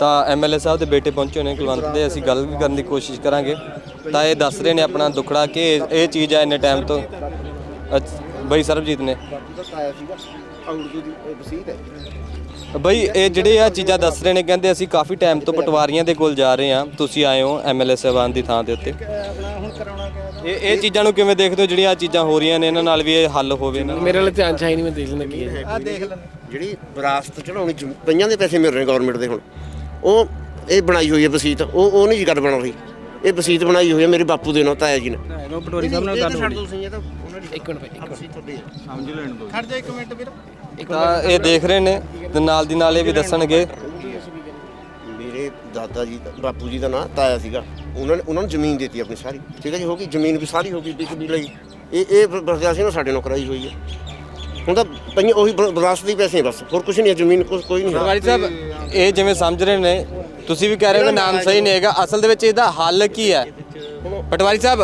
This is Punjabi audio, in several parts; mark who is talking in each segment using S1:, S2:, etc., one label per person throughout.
S1: ਤਾਂ ਐਮਐਲਏ ਸਾਹਿਬ ਦੇ ਬੇਟੇ ਪਹੁੰਚੇ ਹੋਣੇ ਕੁਲਵੰਤ ਦੇ, ਅਸੀਂ ਗੱਲ ਵੀ ਕਰਨ ਦੀ ਕੋਸ਼ਿਸ਼ ਕਰਾਂਗੇ। ਤਾਂ ਇਹ ਦੱਸ ਰਹੇ ਨੇ ਆਪਣਾ ਦੁੱਖੜਾ ਕਿ ਇਹ ਚੀਜ਼ ਹੈ ਇੰਨੇ ਟਾਈਮ ਤੋਂ। ਬਈ ਸਰਬਜੀਤ ਨੇ ਬਈ ਇਹ ਜਿਹੜੇ ਆ ਚੀਜ਼ਾਂ ਦੱਸ ਰਹੇ ਨੇ, ਕਹਿੰਦੇ ਅਸੀਂ ਕਾਫੀ ਟਾਈਮ ਤੋਂ ਪਟਵਾਰੀਆਂ ਦੇ ਕੋਲ ਜਾ ਰਹੇ ਹਾਂ, ਤੁਸੀਂ ਆਏ ਹੋ ਐਮਐਲਏ ਸਾਹਿਬਾਨ ਦੀ ਥਾਂ ਦੇ ਉੱਤੇ। ਇਹ ਚੀਜ਼ਾਂ ਨੂੰ ਕਿਵੇਂ ਦੇਖਦੇ ਹੋ ਜਿਹੜੀਆਂ ਚੀਜ਼ਾਂ ਹੋ ਰਹੀਆਂ ਨੇ, ਇਹਨਾਂ ਨਾਲ ਵੀ ਇਹ ਹੱਲ ਹੋਵੇ?
S2: ਮੇਰੇ ਨਾਲ ਧਿਆਨ ਚਾਹੀ ਨਹੀਂ, ਮੈਂ ਦੇਖ ਲੈਂਦਾ ਕੀ ਹੈ।
S3: ਆਹ ਦੇਖ ਲੈ ਜਿਹੜੀ ਵਿਰਾਸਤ ਚੜਾਉਣੀ ਪਈਆਂ ਦੇ ਪੈਸੇ ਮਿਲ ਰਹੇ ਗਵਰਨਮੈਂਟ ਦੇ, ਹੁਣ ਉਹ ਇਹ ਬਣਾਈ ਹੋਈ ਹੈ ਵਸੀਤ, ਉਹ ਨਹੀਂ ਜੀ ਗੱਲ ਬਣ ਰਹੀ। ਇਹ ਵਸੀਤ ਬਣਾਈ ਹੋਈ ਹੈ ਮੇਰੇ ਬਾਪੂ ਦੇ ਨਾਂ, ਤਾਇਆ ਜੀ ਨੇ।
S2: ਪਟਵਾਰੀ ਸਾਹਿਬ ਨਾਲ ਗੱਲ
S3: ਛੱਡ ਦੋ ਤੁਸੀਂ, ਇਹ ਤਾਂ
S2: ਇੱਕ ਮਿੰਟ
S3: ਸਮਝ ਲੈਣ ਦੋ, ਖੜ ਜਾ 1 ਮਿੰਟ ਵੀਰ।
S1: ਤਾਂ ਇਹ ਦੇਖ ਰਹੇ ਨੇ ਤੇ ਨਾਲ ਦੀ ਨਾਲ ਇਹ ਵੀ ਦੱਸਣਗੇ।
S3: ਮੇਰੇ ਦਾਦਾ ਜੀ ਬਾਪੂ ਜੀ ਦਾ ਨਾਂ ਤਾਇਆ ਸੀਗਾ, ਉਹਨਾਂ ਨੂੰ ਜ਼ਮੀਨ ਦਿੱਤੀ ਆਪਣੀ ਸਾਰੀ, ਠੀਕ ਹੈ ਜੀ, ਹੋ ਗਈ ਜ਼ਮੀਨ ਵੀ ਸਾਰੀ ਹੋ ਗਈ ਵਿਕ ਵੀ ਲਈ। ਇਹ ਬਰਦਾਸ਼ਤ ਨਾ ਸਾਡੇ ਨਾਲ ਕਰਾਈ ਹੋਈ ਹੈ। ਹੁਣ ਤਾਂ ਪਈਆਂ ਉਹੀ ਵਿਰਾਸਤ ਦੇ ਪੈਸੇ, ਬਸ ਹੋਰ ਕੁਝ ਨਹੀਂ, ਜ਼ਮੀਨ ਕੋਈ ਨਹੀਂ।
S1: ਪਟਵਾਰੀ ਸਾਹਿਬ ਇਹ ਜਿਵੇਂ ਸਮਝ ਰਹੇ ਨੇ, ਤੁਸੀਂ ਵੀ ਕਹਿ ਰਹੇ ਹੋ ਕਿ ਨਾਮ ਸਹੀ ਨਹੀਂ ਹੈਗਾ, ਅਸਲ ਦੇ ਵਿੱਚ ਇਹਦਾ ਹੱਲ ਕੀ ਹੈ? ਪਟਵਾਰੀ ਸਾਹਿਬ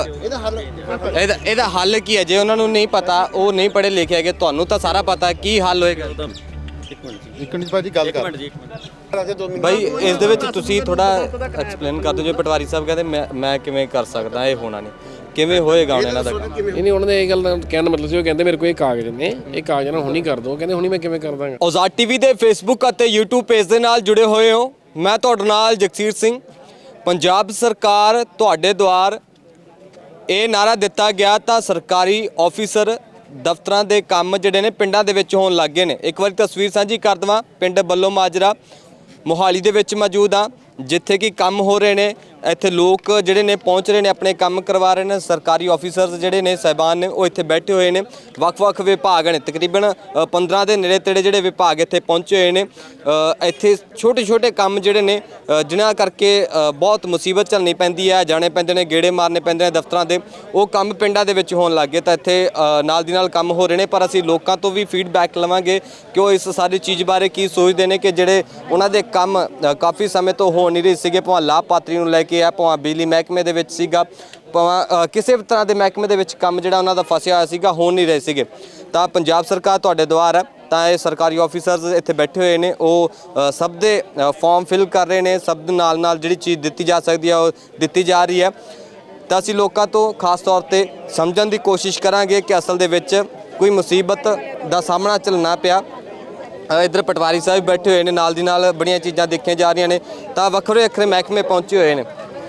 S1: ਇਹਦਾ ਹੱਲ ਕੀ ਹੈ? ਜੇ ਉਹਨਾਂ ਨੂੰ ਨਹੀਂ ਪਤਾ, ਉਹ ਨਹੀਂ ਪੜ੍ਹੇ ਲਿਖੇ ਹੈਗੇ, ਤੁਹਾਨੂੰ ਤਾਂ ਸਾਰਾ ਪਤਾ, ਕੀ ਹੱਲ ਹੋਏਗਾ?
S4: ਇੱਕ ਮਿੰਟ ਭਾਜੀ ਗੱਲ ਕਰ।
S1: ਬਾਈ ਇਸ ਦੇ ਵਿੱਚ ਤੁਸੀਂ ਥੋੜਾ ਐਕਸਪਲੇਨ ਕਰ ਦਿਓ। ਜੇ ਪਟਵਾਰੀ ਸਾਹਿਬ ਕਹਿੰਦੇ ਮੈਂ ਕਿਵੇਂ ਕਰ ਸਕਦਾ, ਇਹ ਹੋਣਾ ਨਹੀਂ, ਕਿਵੇਂ ਹੋਏਗਾ ਹੁਣ ਇਹਨਾਂ ਦਾ?
S2: ਨਹੀਂ ਉਹਨਾਂ ਨੇ ਇਹ ਗੱਲ ਕਹਿਣ ਦਾ ਮਤਲਬ ਸੀ, ਉਹ ਕਹਿੰਦੇ ਮੇਰੇ ਕੋਲ ਇਹ ਕਾਗਜ਼ ਨੇ, ਇਹ ਕਾਗਜ਼ ਨਾਲ ਹੁਣੀ ਕਰ ਦੋ, ਕਹਿੰਦੇ ਹੁਣੀ ਮੈਂ ਕਿਵੇਂ ਕਰ ਦਾਂਗਾ।
S1: ਆਜ਼ਾਦ ਟੀਵੀ ਦੇ ਫੇਸਬੁੱਕ ਅਤੇ YouTube ਪੇਜ ਦੇ ਨਾਲ ਜੁੜੇ ਹੋਏ ਹੋ, ਮੈਂ ਤੁਹਾਡੇ ਨਾਲ ਜਗਸੀਰ ਸਿੰਘ। ਪੰਜਾਬ ਸਰਕਾਰ ਤੁਹਾਡੇ ਦੁਆਰ ਇਹ ਨਾਰਾ ਦਿੱਤਾ ਗਿਆ ਤਾਂ ਸਰਕਾਰੀ ਆਫੀਸਰ ਦਫ਼ਤਰਾਂ ਦੇ ਕੰਮ ਜਿਹੜੇ ਨੇ ਪਿੰਡਾਂ ਦੇ ਵਿੱਚ ਹੋਣ ਲੱਗ ਗਏ ਨੇ। ਇੱਕ ਵਾਰੀ ਤਸਵੀਰ ਸਾਂਝੀ ਕਰ ਦੇਵਾਂ, ਪਿੰਡ ਬੱਲੋ ਮਾਜਰਾ ਮੋਹਾਲੀ ਦੇ ਵਿੱਚ ਮੌਜੂਦ ਆ, ਜਿੱਥੇ ਕਿ ਕੰਮ ਹੋ ਰਹੇ ਨੇ। ਇੱਥੇ ਲੋਕ ਜਿਹੜੇ ਨੇ ਪਹੁੰਚ ਰਹੇ ਨੇ, ਆਪਣੇ ਕੰਮ ਕਰਵਾ ਰਹੇ ਨੇ। ਸਰਕਾਰੀ ਆਫੀਸਰਸ ਜਿਹੜੇ ਨੇ ਸਾਹਿਬਾਨ ਨੇ, ਉਹ ਇੱਥੇ ਬੈਠੇ ਹੋਏ ਨੇ। ਵੱਖ-ਵੱਖ ਵਿਭਾਗ ਨੇ, ਤਕਰੀਬਨ 15 ਦੇ ਨੇੜੇ ਤੇੜੇ ਜਿਹੜੇ ਵਿਭਾਗ ਇੱਥੇ ਪਹੁੰਚੇ ਹੋਏ ਨੇ। ਇੱਥੇ ਛੋਟੇ-ਛੋਟੇ ਕੰਮ ਜਿਹੜੇ ਨੇ, ਜਿਨ੍ਹਾਂ ਕਰਕੇ ਬਹੁਤ ਮੁਸੀਬਤ ਝੱਲਣੀ ਪੈਂਦੀ ਹੈ, ਜਾਣੇ ਪੈਂਦੇ ਨੇ, ਗੇੜੇ ਮਾਰਨੇ ਪੈਂਦੇ ਨੇ ਦਫ਼ਤਰਾਂ ਦੇ, ਉਹ ਕੰਮ ਪਿੰਡਾਂ ਦੇ ਵਿੱਚ ਹੋਣ ਲੱਗ ਗਏ। ਤਾਂ ਇੱਥੇ ਨਾਲ ਦੀ ਨਾਲ ਕੰਮ ਹੋ ਰਹੇ ਨੇ, ਪਰ ਅਸੀਂ ਲੋਕਾਂ ਤੋਂ ਵੀ ਫੀਡਬੈਕ ਲਵਾਂਗੇ ਕਿ ਉਹ ਇਸ ਸਾਰੀ ਚੀਜ਼ ਬਾਰੇ ਕੀ ਸੋਚਦੇ ਨੇ, ਕਿ ਜਿਹੜੇ ਉਹਨਾਂ ਦੇ ਕੰਮ ਕਾਫੀ ਸਮੇਂ ਤੋਂ ਹੋ ਨਹੀਂ ਰਹੇ ਸੀਗੇ, ਭਾਵੇਂ ਲਾਭਪਾਤਰੀ ਨੂੰ ਲੈ ਕੇ ਆ, ਭਾਵੇਂ ਬਿਜਲੀ ਮਹਿਕਮੇ ਦੇ ਵਿੱਚ ਸੀਗਾ, ਭਾਵੇਂ ਕਿਸੇ ਵੀ ਤਰ੍ਹਾਂ ਦੇ ਮਹਿਕਮੇ ਦੇ ਵਿੱਚ ਕੰਮ ਜਿਹੜਾ ਉਹਨਾਂ ਦਾ ਫਸਿਆ ਹੋਇਆ ਸੀਗਾ, ਹੋ ਨਹੀਂ ਰਹੇ ਸੀਗੇ। ਤਾਂ ਪੰਜਾਬ ਸਰਕਾਰ ਤੁਹਾਡੇ ਦੁਆਰ ਹੈ। ਤਾਂ ਇਹ ਸਰਕਾਰੀ ਆਫੀਸਰਸ ਇੱਥੇ ਬੈਠੇ ਹੋਏ ਨੇ, ਉਹ ਸਭ ਦੇ ਫਾਰਮ ਫਿਲ ਕਰ ਰਹੇ ਨੇ। ਸਭ ਦੇ ਨਾਲ ਜਿਹੜੀ ਚੀਜ਼ ਦਿੱਤੀ ਜਾ ਸਕਦੀ ਹੈ ਉਹ ਦਿੱਤੀ ਜਾ ਰਹੀ ਹੈ। ਤਾਂ ਅਸੀਂ ਲੋਕਾਂ ਤੋਂ ਖਾਸ ਤੌਰ 'ਤੇ ਸਮਝਣ ਦੀ ਕੋਸ਼ਿਸ਼ ਕਰਾਂਗੇ ਕਿ ਅਸਲ ਦੇ ਵਿੱਚ ਕੋਈ ਮੁਸੀਬਤ ਦਾ ਸਾਹਮਣਾ ਝੱਲਣਾ ਪਿਆ। ਇੱਧਰ ਪਟਵਾਰੀ ਸਾਹਿਬ ਬੈਠੇ ਹੋਏ ਨੇ, ਨਾਲ ਦੀ ਨਾਲ ਬੜੀਆਂ ਚੀਜ਼ਾਂ ਦੇਖੀਆਂ ਜਾ ਰਹੀਆਂ ਨੇ। ਤਾਂ ਵੱਖਰੇ ਮਹਿਕਮੇ ਪਹੁੰਚੇ ਹੋਏ ਨੇ।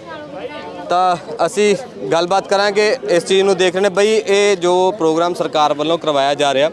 S1: ਤਾਂ ਅਸੀਂ ਗੱਲਬਾਤ ਕਰਾਂਗੇ ਇਸ ਚੀਜ਼ ਨੂੰ ਦੇਖ ਰਹੇ ਨੇ। ਬਈ ਇਹ ਜੋ ਪ੍ਰੋਗਰਾਮ ਸਰਕਾਰ ਵੱਲੋਂ ਕਰਵਾਇਆ ਜਾ ਰਿਹਾ,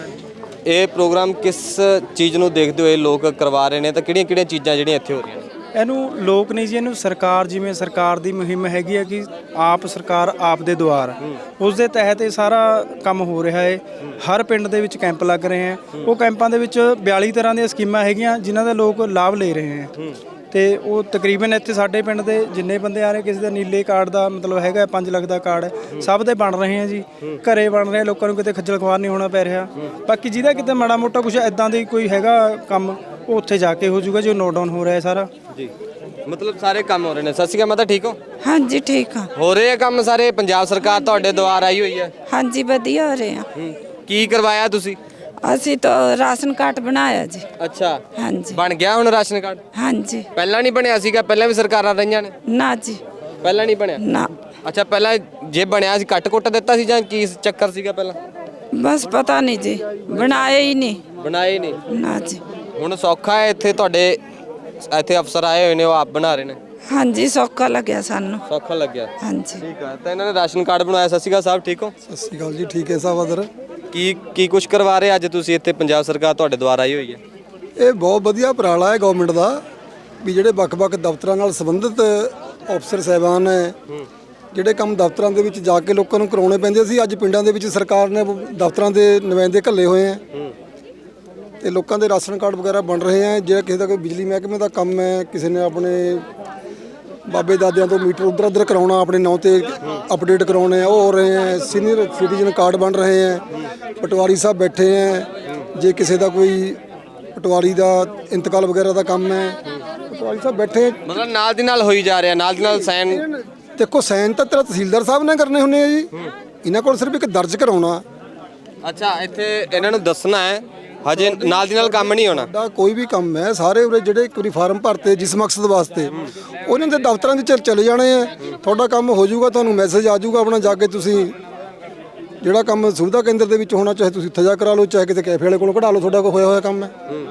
S1: ਇਹ ਪ੍ਰੋਗਰਾਮ ਕਿਸ ਚੀਜ਼ ਨੂੰ ਦੇਖਦੇ ਹੋਏ ਲੋਕ ਕਰਵਾ ਰਹੇ ਨੇ, ਤਾਂ ਕਿਹੜੀਆਂ ਚੀਜ਼ਾਂ ਜਿਹੜੀਆਂ ਇੱਥੇ ਹੋ ਰਹੀਆਂ ਨੇ?
S5: ਇਹਨੂੰ ਲੋਕ ਨਹੀਂ ਜੀ, ਇਹਨੂੰ ਸਰਕਾਰ, ਜਿਵੇਂ ਸਰਕਾਰ ਦੀ ਮੁਹਿੰਮ ਹੈਗੀ ਹੈ ਕਿ ਆਪ ਸਰਕਾਰ ਆਪ ਦੇ ਦੁਆਰ, ਉਸ ਦੇ ਤਹਿਤ ਇਹ ਸਾਰਾ ਕੰਮ ਹੋ ਰਿਹਾ ਹੈ। ਹਰ ਪਿੰਡ ਦੇ ਵਿੱਚ ਕੈਂਪ ਲੱਗ ਰਹੇ ਹੈ। ਉਹ ਕੈਂਪਾਂ ਦੇ ਵਿੱਚ 42 ਤਰ੍ਹਾਂ ਦੀਆਂ ਸਕੀਮਾਂ ਹੈਗੀਆਂ ਜਿਨ੍ਹਾਂ ਦਾ ਲੋਕ ਲਾਭ ਲੈ ਰਹੇ ਹੈ। ਤੇ ਉਹ ਤਕਰੀਬਨ ਇੱਥੇ ਸਾਡੇ ਪਿੰਡ ਦੇ ਜਿੰਨੇ ਬੰਦੇ ਆ ਰਹੇ, ਕਿਸੇ ਦਾ ਨੀਲੇ ਕਾਰਡ ਦਾ ਮਤਲਬ ਹੈਗਾ 5 ਲੱਖ ਦਾ ਕਾਰਡ, ਸਭ ਦੇ ਬਣ ਰਹੇ ਆ ਜੀ, ਘਰੇ ਬਣ ਰਹੇ, ਲੋਕਾਂ ਨੂੰ ਕਿਤੇ ਖੱਜਲ ਖੁਆਰ ਨਹੀਂ ਹੋਣਾ ਪੈ ਰਿਹਾ। ਬਾਕੀ ਜਿਹਦਾ ਕਿਤੇ ਮਾੜਾ ਮੋਟਾ ਕੁਝ ਐਦਾਂ ਦੀ ਕੋਈ ਹੈਗਾ ਕੰਮ, ਉਹ ਉੱਥੇ ਜਾ ਕੇ ਹੋ ਜਾਊਗਾ ਜੋ ਨੋਟ ਡਾਊਨ ਹੋ ਰਿਹਾ ਸਾਰਾ
S1: ਜੀ। ਮਤਲਬ ਸਾਰੇ ਕੰਮ ਹੋ ਰਹੇ ਨੇ। ਸਤਿ ਸ਼੍ਰੀ ਅਕਾਲ ਮਾਤਾ, ਠੀਕ ਹੋ?
S6: ਹਾਂਜੀ ਠੀਕ ਆ।
S1: ਹੋ ਰਹੇ ਆ ਕੰਮ ਸਾਰੇ? ਪੰਜਾਬ ਸਰਕਾਰ ਤੁਹਾਡੇ ਦੁਆਰ ਆਈ ਹੋਈ ਹੈ?
S6: ਹਾਂਜੀ ਵਧੀਆ ਹੋ ਰਹੇ ਆ।
S1: ਕੀ ਕਰਵਾਇਆ ਤੁਸੀਂ?
S6: ਅਸੀਂ ਤਾਂ ਰਾਸ਼ਨ ਕਾਰਡ ਬਣਾਇਆ ਜੀ।
S1: ਅੱਛਾ,
S6: ਹਾਂਜੀ
S1: ਬਣ ਗਿਆ ਹੁਣ ਰਾਸ਼ਨ ਕਾਰਡ?
S6: ਹਾਂਜੀ।
S1: ਪਹਿਲਾਂ ਨਹੀਂ ਬਣਿਆ ਸੀਗਾ? ਪਹਿਲਾਂ ਵੀ ਸਰਕਾਰਾਂ ਰਹੀਆਂ ਨੇ?
S6: ਨਾ ਜੀ,
S1: ਪਹਿਲਾਂ ਨਹੀਂ ਬਣਿਆ?
S6: ਨਾ।
S1: ਅੱਛਾ, ਪਹਿਲਾਂ ਜੇ ਬਣਿਆ ਸੀ ਕੱਟ-ਕੁੱਟ ਦਿੱਤਾ ਸੀ ਜਾਂ ਕੀ ਚੱਕਰ ਸੀਗਾ ਪਹਿਲਾਂ?
S6: ਬਸ ਪਤਾ ਨਹੀਂ ਜੀ, ਬਣਾਇਆ ਹੀ ਨਹੀਂ।
S1: ਬਣਾਇਆ ਹੀ ਨਹੀਂ?
S6: ਨਾ ਜੀ।
S1: ਹੁਣ ਸੌਖਾ ਹੈ? ਇੱਥੇ ਤੁਹਾਡੇ ਇੱਥੇ ਅਫਸਰ ਆਏ ਹੋਏ ਨੇ, ਉਹ ਆਪ ਬਣਾ ਰਹੇ ਨੇ?
S6: ਹਾਂਜੀ ਸੌਖਾ ਲੱਗਿਆ ਸਾਨੂੰ।
S1: ਸੌਖਾ ਲੱਗਿਆ?
S6: ਹਾਂਜੀ
S1: ਠੀਕ ਆ। ਤਾਂ ਇਹਨਾਂ ਨੇ ਰਾਸ਼ਨ ਕਾਰਡ ਬਣਾਇਆ। ਸਤਿ ਸ਼੍ਰੀ ਅਕਾਲ ਸਾਹਿਬ, ਠੀਕ ਹੋ?
S7: ਸਤਿ ਸ਼੍ਰੀ ਅਕਾਲ ਜੀ, ਠੀਕ ਹੈ ਸਾਹਿਬ। ਅਦਰ
S1: ਕੀ ਕੁਝ ਕਰਵਾ ਰਹੇ ਅੱਜ ਤੁਸੀਂ ਇੱਥੇ? ਪੰਜਾਬ ਸਰਕਾਰ ਤੁਹਾਡੇ ਦੁਆਰ ਆਈ ਹੋਈ ਹੈ।
S7: ਇਹ ਬਹੁਤ ਵਧੀਆ ਉਪਰਾਲਾ ਹੈ ਗਵਰਨਮੈਂਟ ਦਾ, ਵੀ ਜਿਹੜੇ ਵੱਖ-ਵੱਖ ਦਫ਼ਤਰਾਂ ਨਾਲ ਸੰਬੰਧਿਤ ਅਫਸਰ ਸਾਹਿਬਾਨ ਹੈ, ਜਿਹੜੇ ਕੰਮ ਦਫ਼ਤਰਾਂ ਦੇ ਵਿੱਚ ਜਾ ਕੇ ਲੋਕਾਂ ਨੂੰ ਕਰਾਉਣੇ ਪੈਂਦੇ ਸੀ, ਅੱਜ ਪਿੰਡਾਂ ਦੇ ਵਿੱਚ ਸਰਕਾਰ ਨੇ ਦਫ਼ਤਰਾਂ ਦੇ ਨੁਮਾਇੰਦੇ ਘੱਲੇ ਹੋਏ ਹੈ ਤੇ ਲੋਕਾਂ ਦੇ ਰਾਸ਼ਨ ਕਾਰਡ ਵਗੈਰਾ ਬਣ ਰਹੇ ਹੈ। ਜੇ ਕਿਸੇ ਦਾ ਕੋਈ ਬਿਜਲੀ ਮਹਿਕਮੇ ਦਾ ਕੰਮ ਹੈ, ਕਿਸੇ ਨੇ ਆਪਣੇ ਬਾਬੇ ਦਾਦਿਆਂ ਤੋਂ ਮੀਟਰ ਉੱਧਰ ਕਰਾਉਣਾ, ਆਪਣੇ ਨਾਂ ਤੇ ਅਪਡੇਟ ਕਰਾਉਣੇ ਆ, ਉਹ ਹੋ ਰਹੇ ਹੈ। ਸੀਨੀਅਰ ਸਿਟੀਜ਼ਨ ਕਾਰਡ ਬਣ ਰਹੇ ਹੈ। ਪਟਵਾਰੀ ਸਾਹਿਬ ਬੈਠੇ ਹੈ। ਜੇ ਕਿਸੇ ਦਾ ਕੋਈ ਪਟਵਾਰੀ ਦਾ ਇੰਤਕਾਲ ਵਗੈਰਾ ਦਾ ਕੰਮ ਹੈ, ਪਟਵਾਰੀ ਸਾਹਿਬ ਬੈਠੇ।
S1: ਮਤਲਬ ਨਾਲ ਦੀ ਨਾਲ ਹੋਈ ਜਾ ਰਿਹਾ, ਨਾਲ ਦੀ ਨਾਲ ਸਾਈਨ।
S7: ਦੇਖੋ ਸਾਈਨ ਤਾਂ ਤੇਰਾ ਤਹਿਸੀਲਦਾਰ ਸਾਹਿਬ ਨੇ ਕਰਨੇ ਹੁੰਦੇ ਆ ਜੀ, ਇਹਨਾਂ ਕੋਲ ਸਿਰਫ ਇੱਕ ਦਰਜ ਕਰਾਉਣਾ।
S1: ਅੱਛਾ, ਇੱਥੇ ਇਹਨਾਂ ਨੂੰ ਦੱਸਣਾ ਹੈ ਹਜੇ ਨਾਲ ਦੀ ਨਾਲ ਕੰਮ ਨਹੀਂ ਹੋਣਾ।
S7: ਸਾਡਾ ਕੋਈ ਵੀ ਕੰਮ ਹੈ, ਸਾਰੇ ਉਰੇ ਜਿਹੜੇ ਇੱਕ ਵਾਰੀ ਫਾਰਮ ਭਰਤੇ ਜਿਸ ਮਕਸਦ ਵਾਸਤੇ, ਉਹਨਾਂ ਦੇ ਦਫ਼ਤਰਾਂ ਵਿੱਚ ਚਲੇ ਜਾਣੇ ਆ, ਤੁਹਾਡਾ ਕੰਮ ਹੋ ਜਾਊਗਾ, ਤੁਹਾਨੂੰ ਮੈਸੇਜ ਆ ਜਾਊਗਾ, ਆਪਣਾ ਜਾ ਕੇ ਤੁਸੀਂ ਜਿਹੜਾ ਕੰਮ ਸੁਵਿਧਾ ਕੇਂਦਰ ਦੇ ਵਿੱਚ ਹੋਣਾ, ਚਾਹੇ ਤੁਸੀਂ ਉੱਥੇ ਜਾ ਕਰਾ ਲਓ, ਚਾਹੇ ਕਿਤੇ ਕੈਫੇ ਵਾਲੇ ਕੋਲੋਂ ਕਢਾ ਲਓ, ਤੁਹਾਡਾ ਕੋਈ ਹੋਇਆ ਹੋਇਆ ਕੰਮ ਹੈ।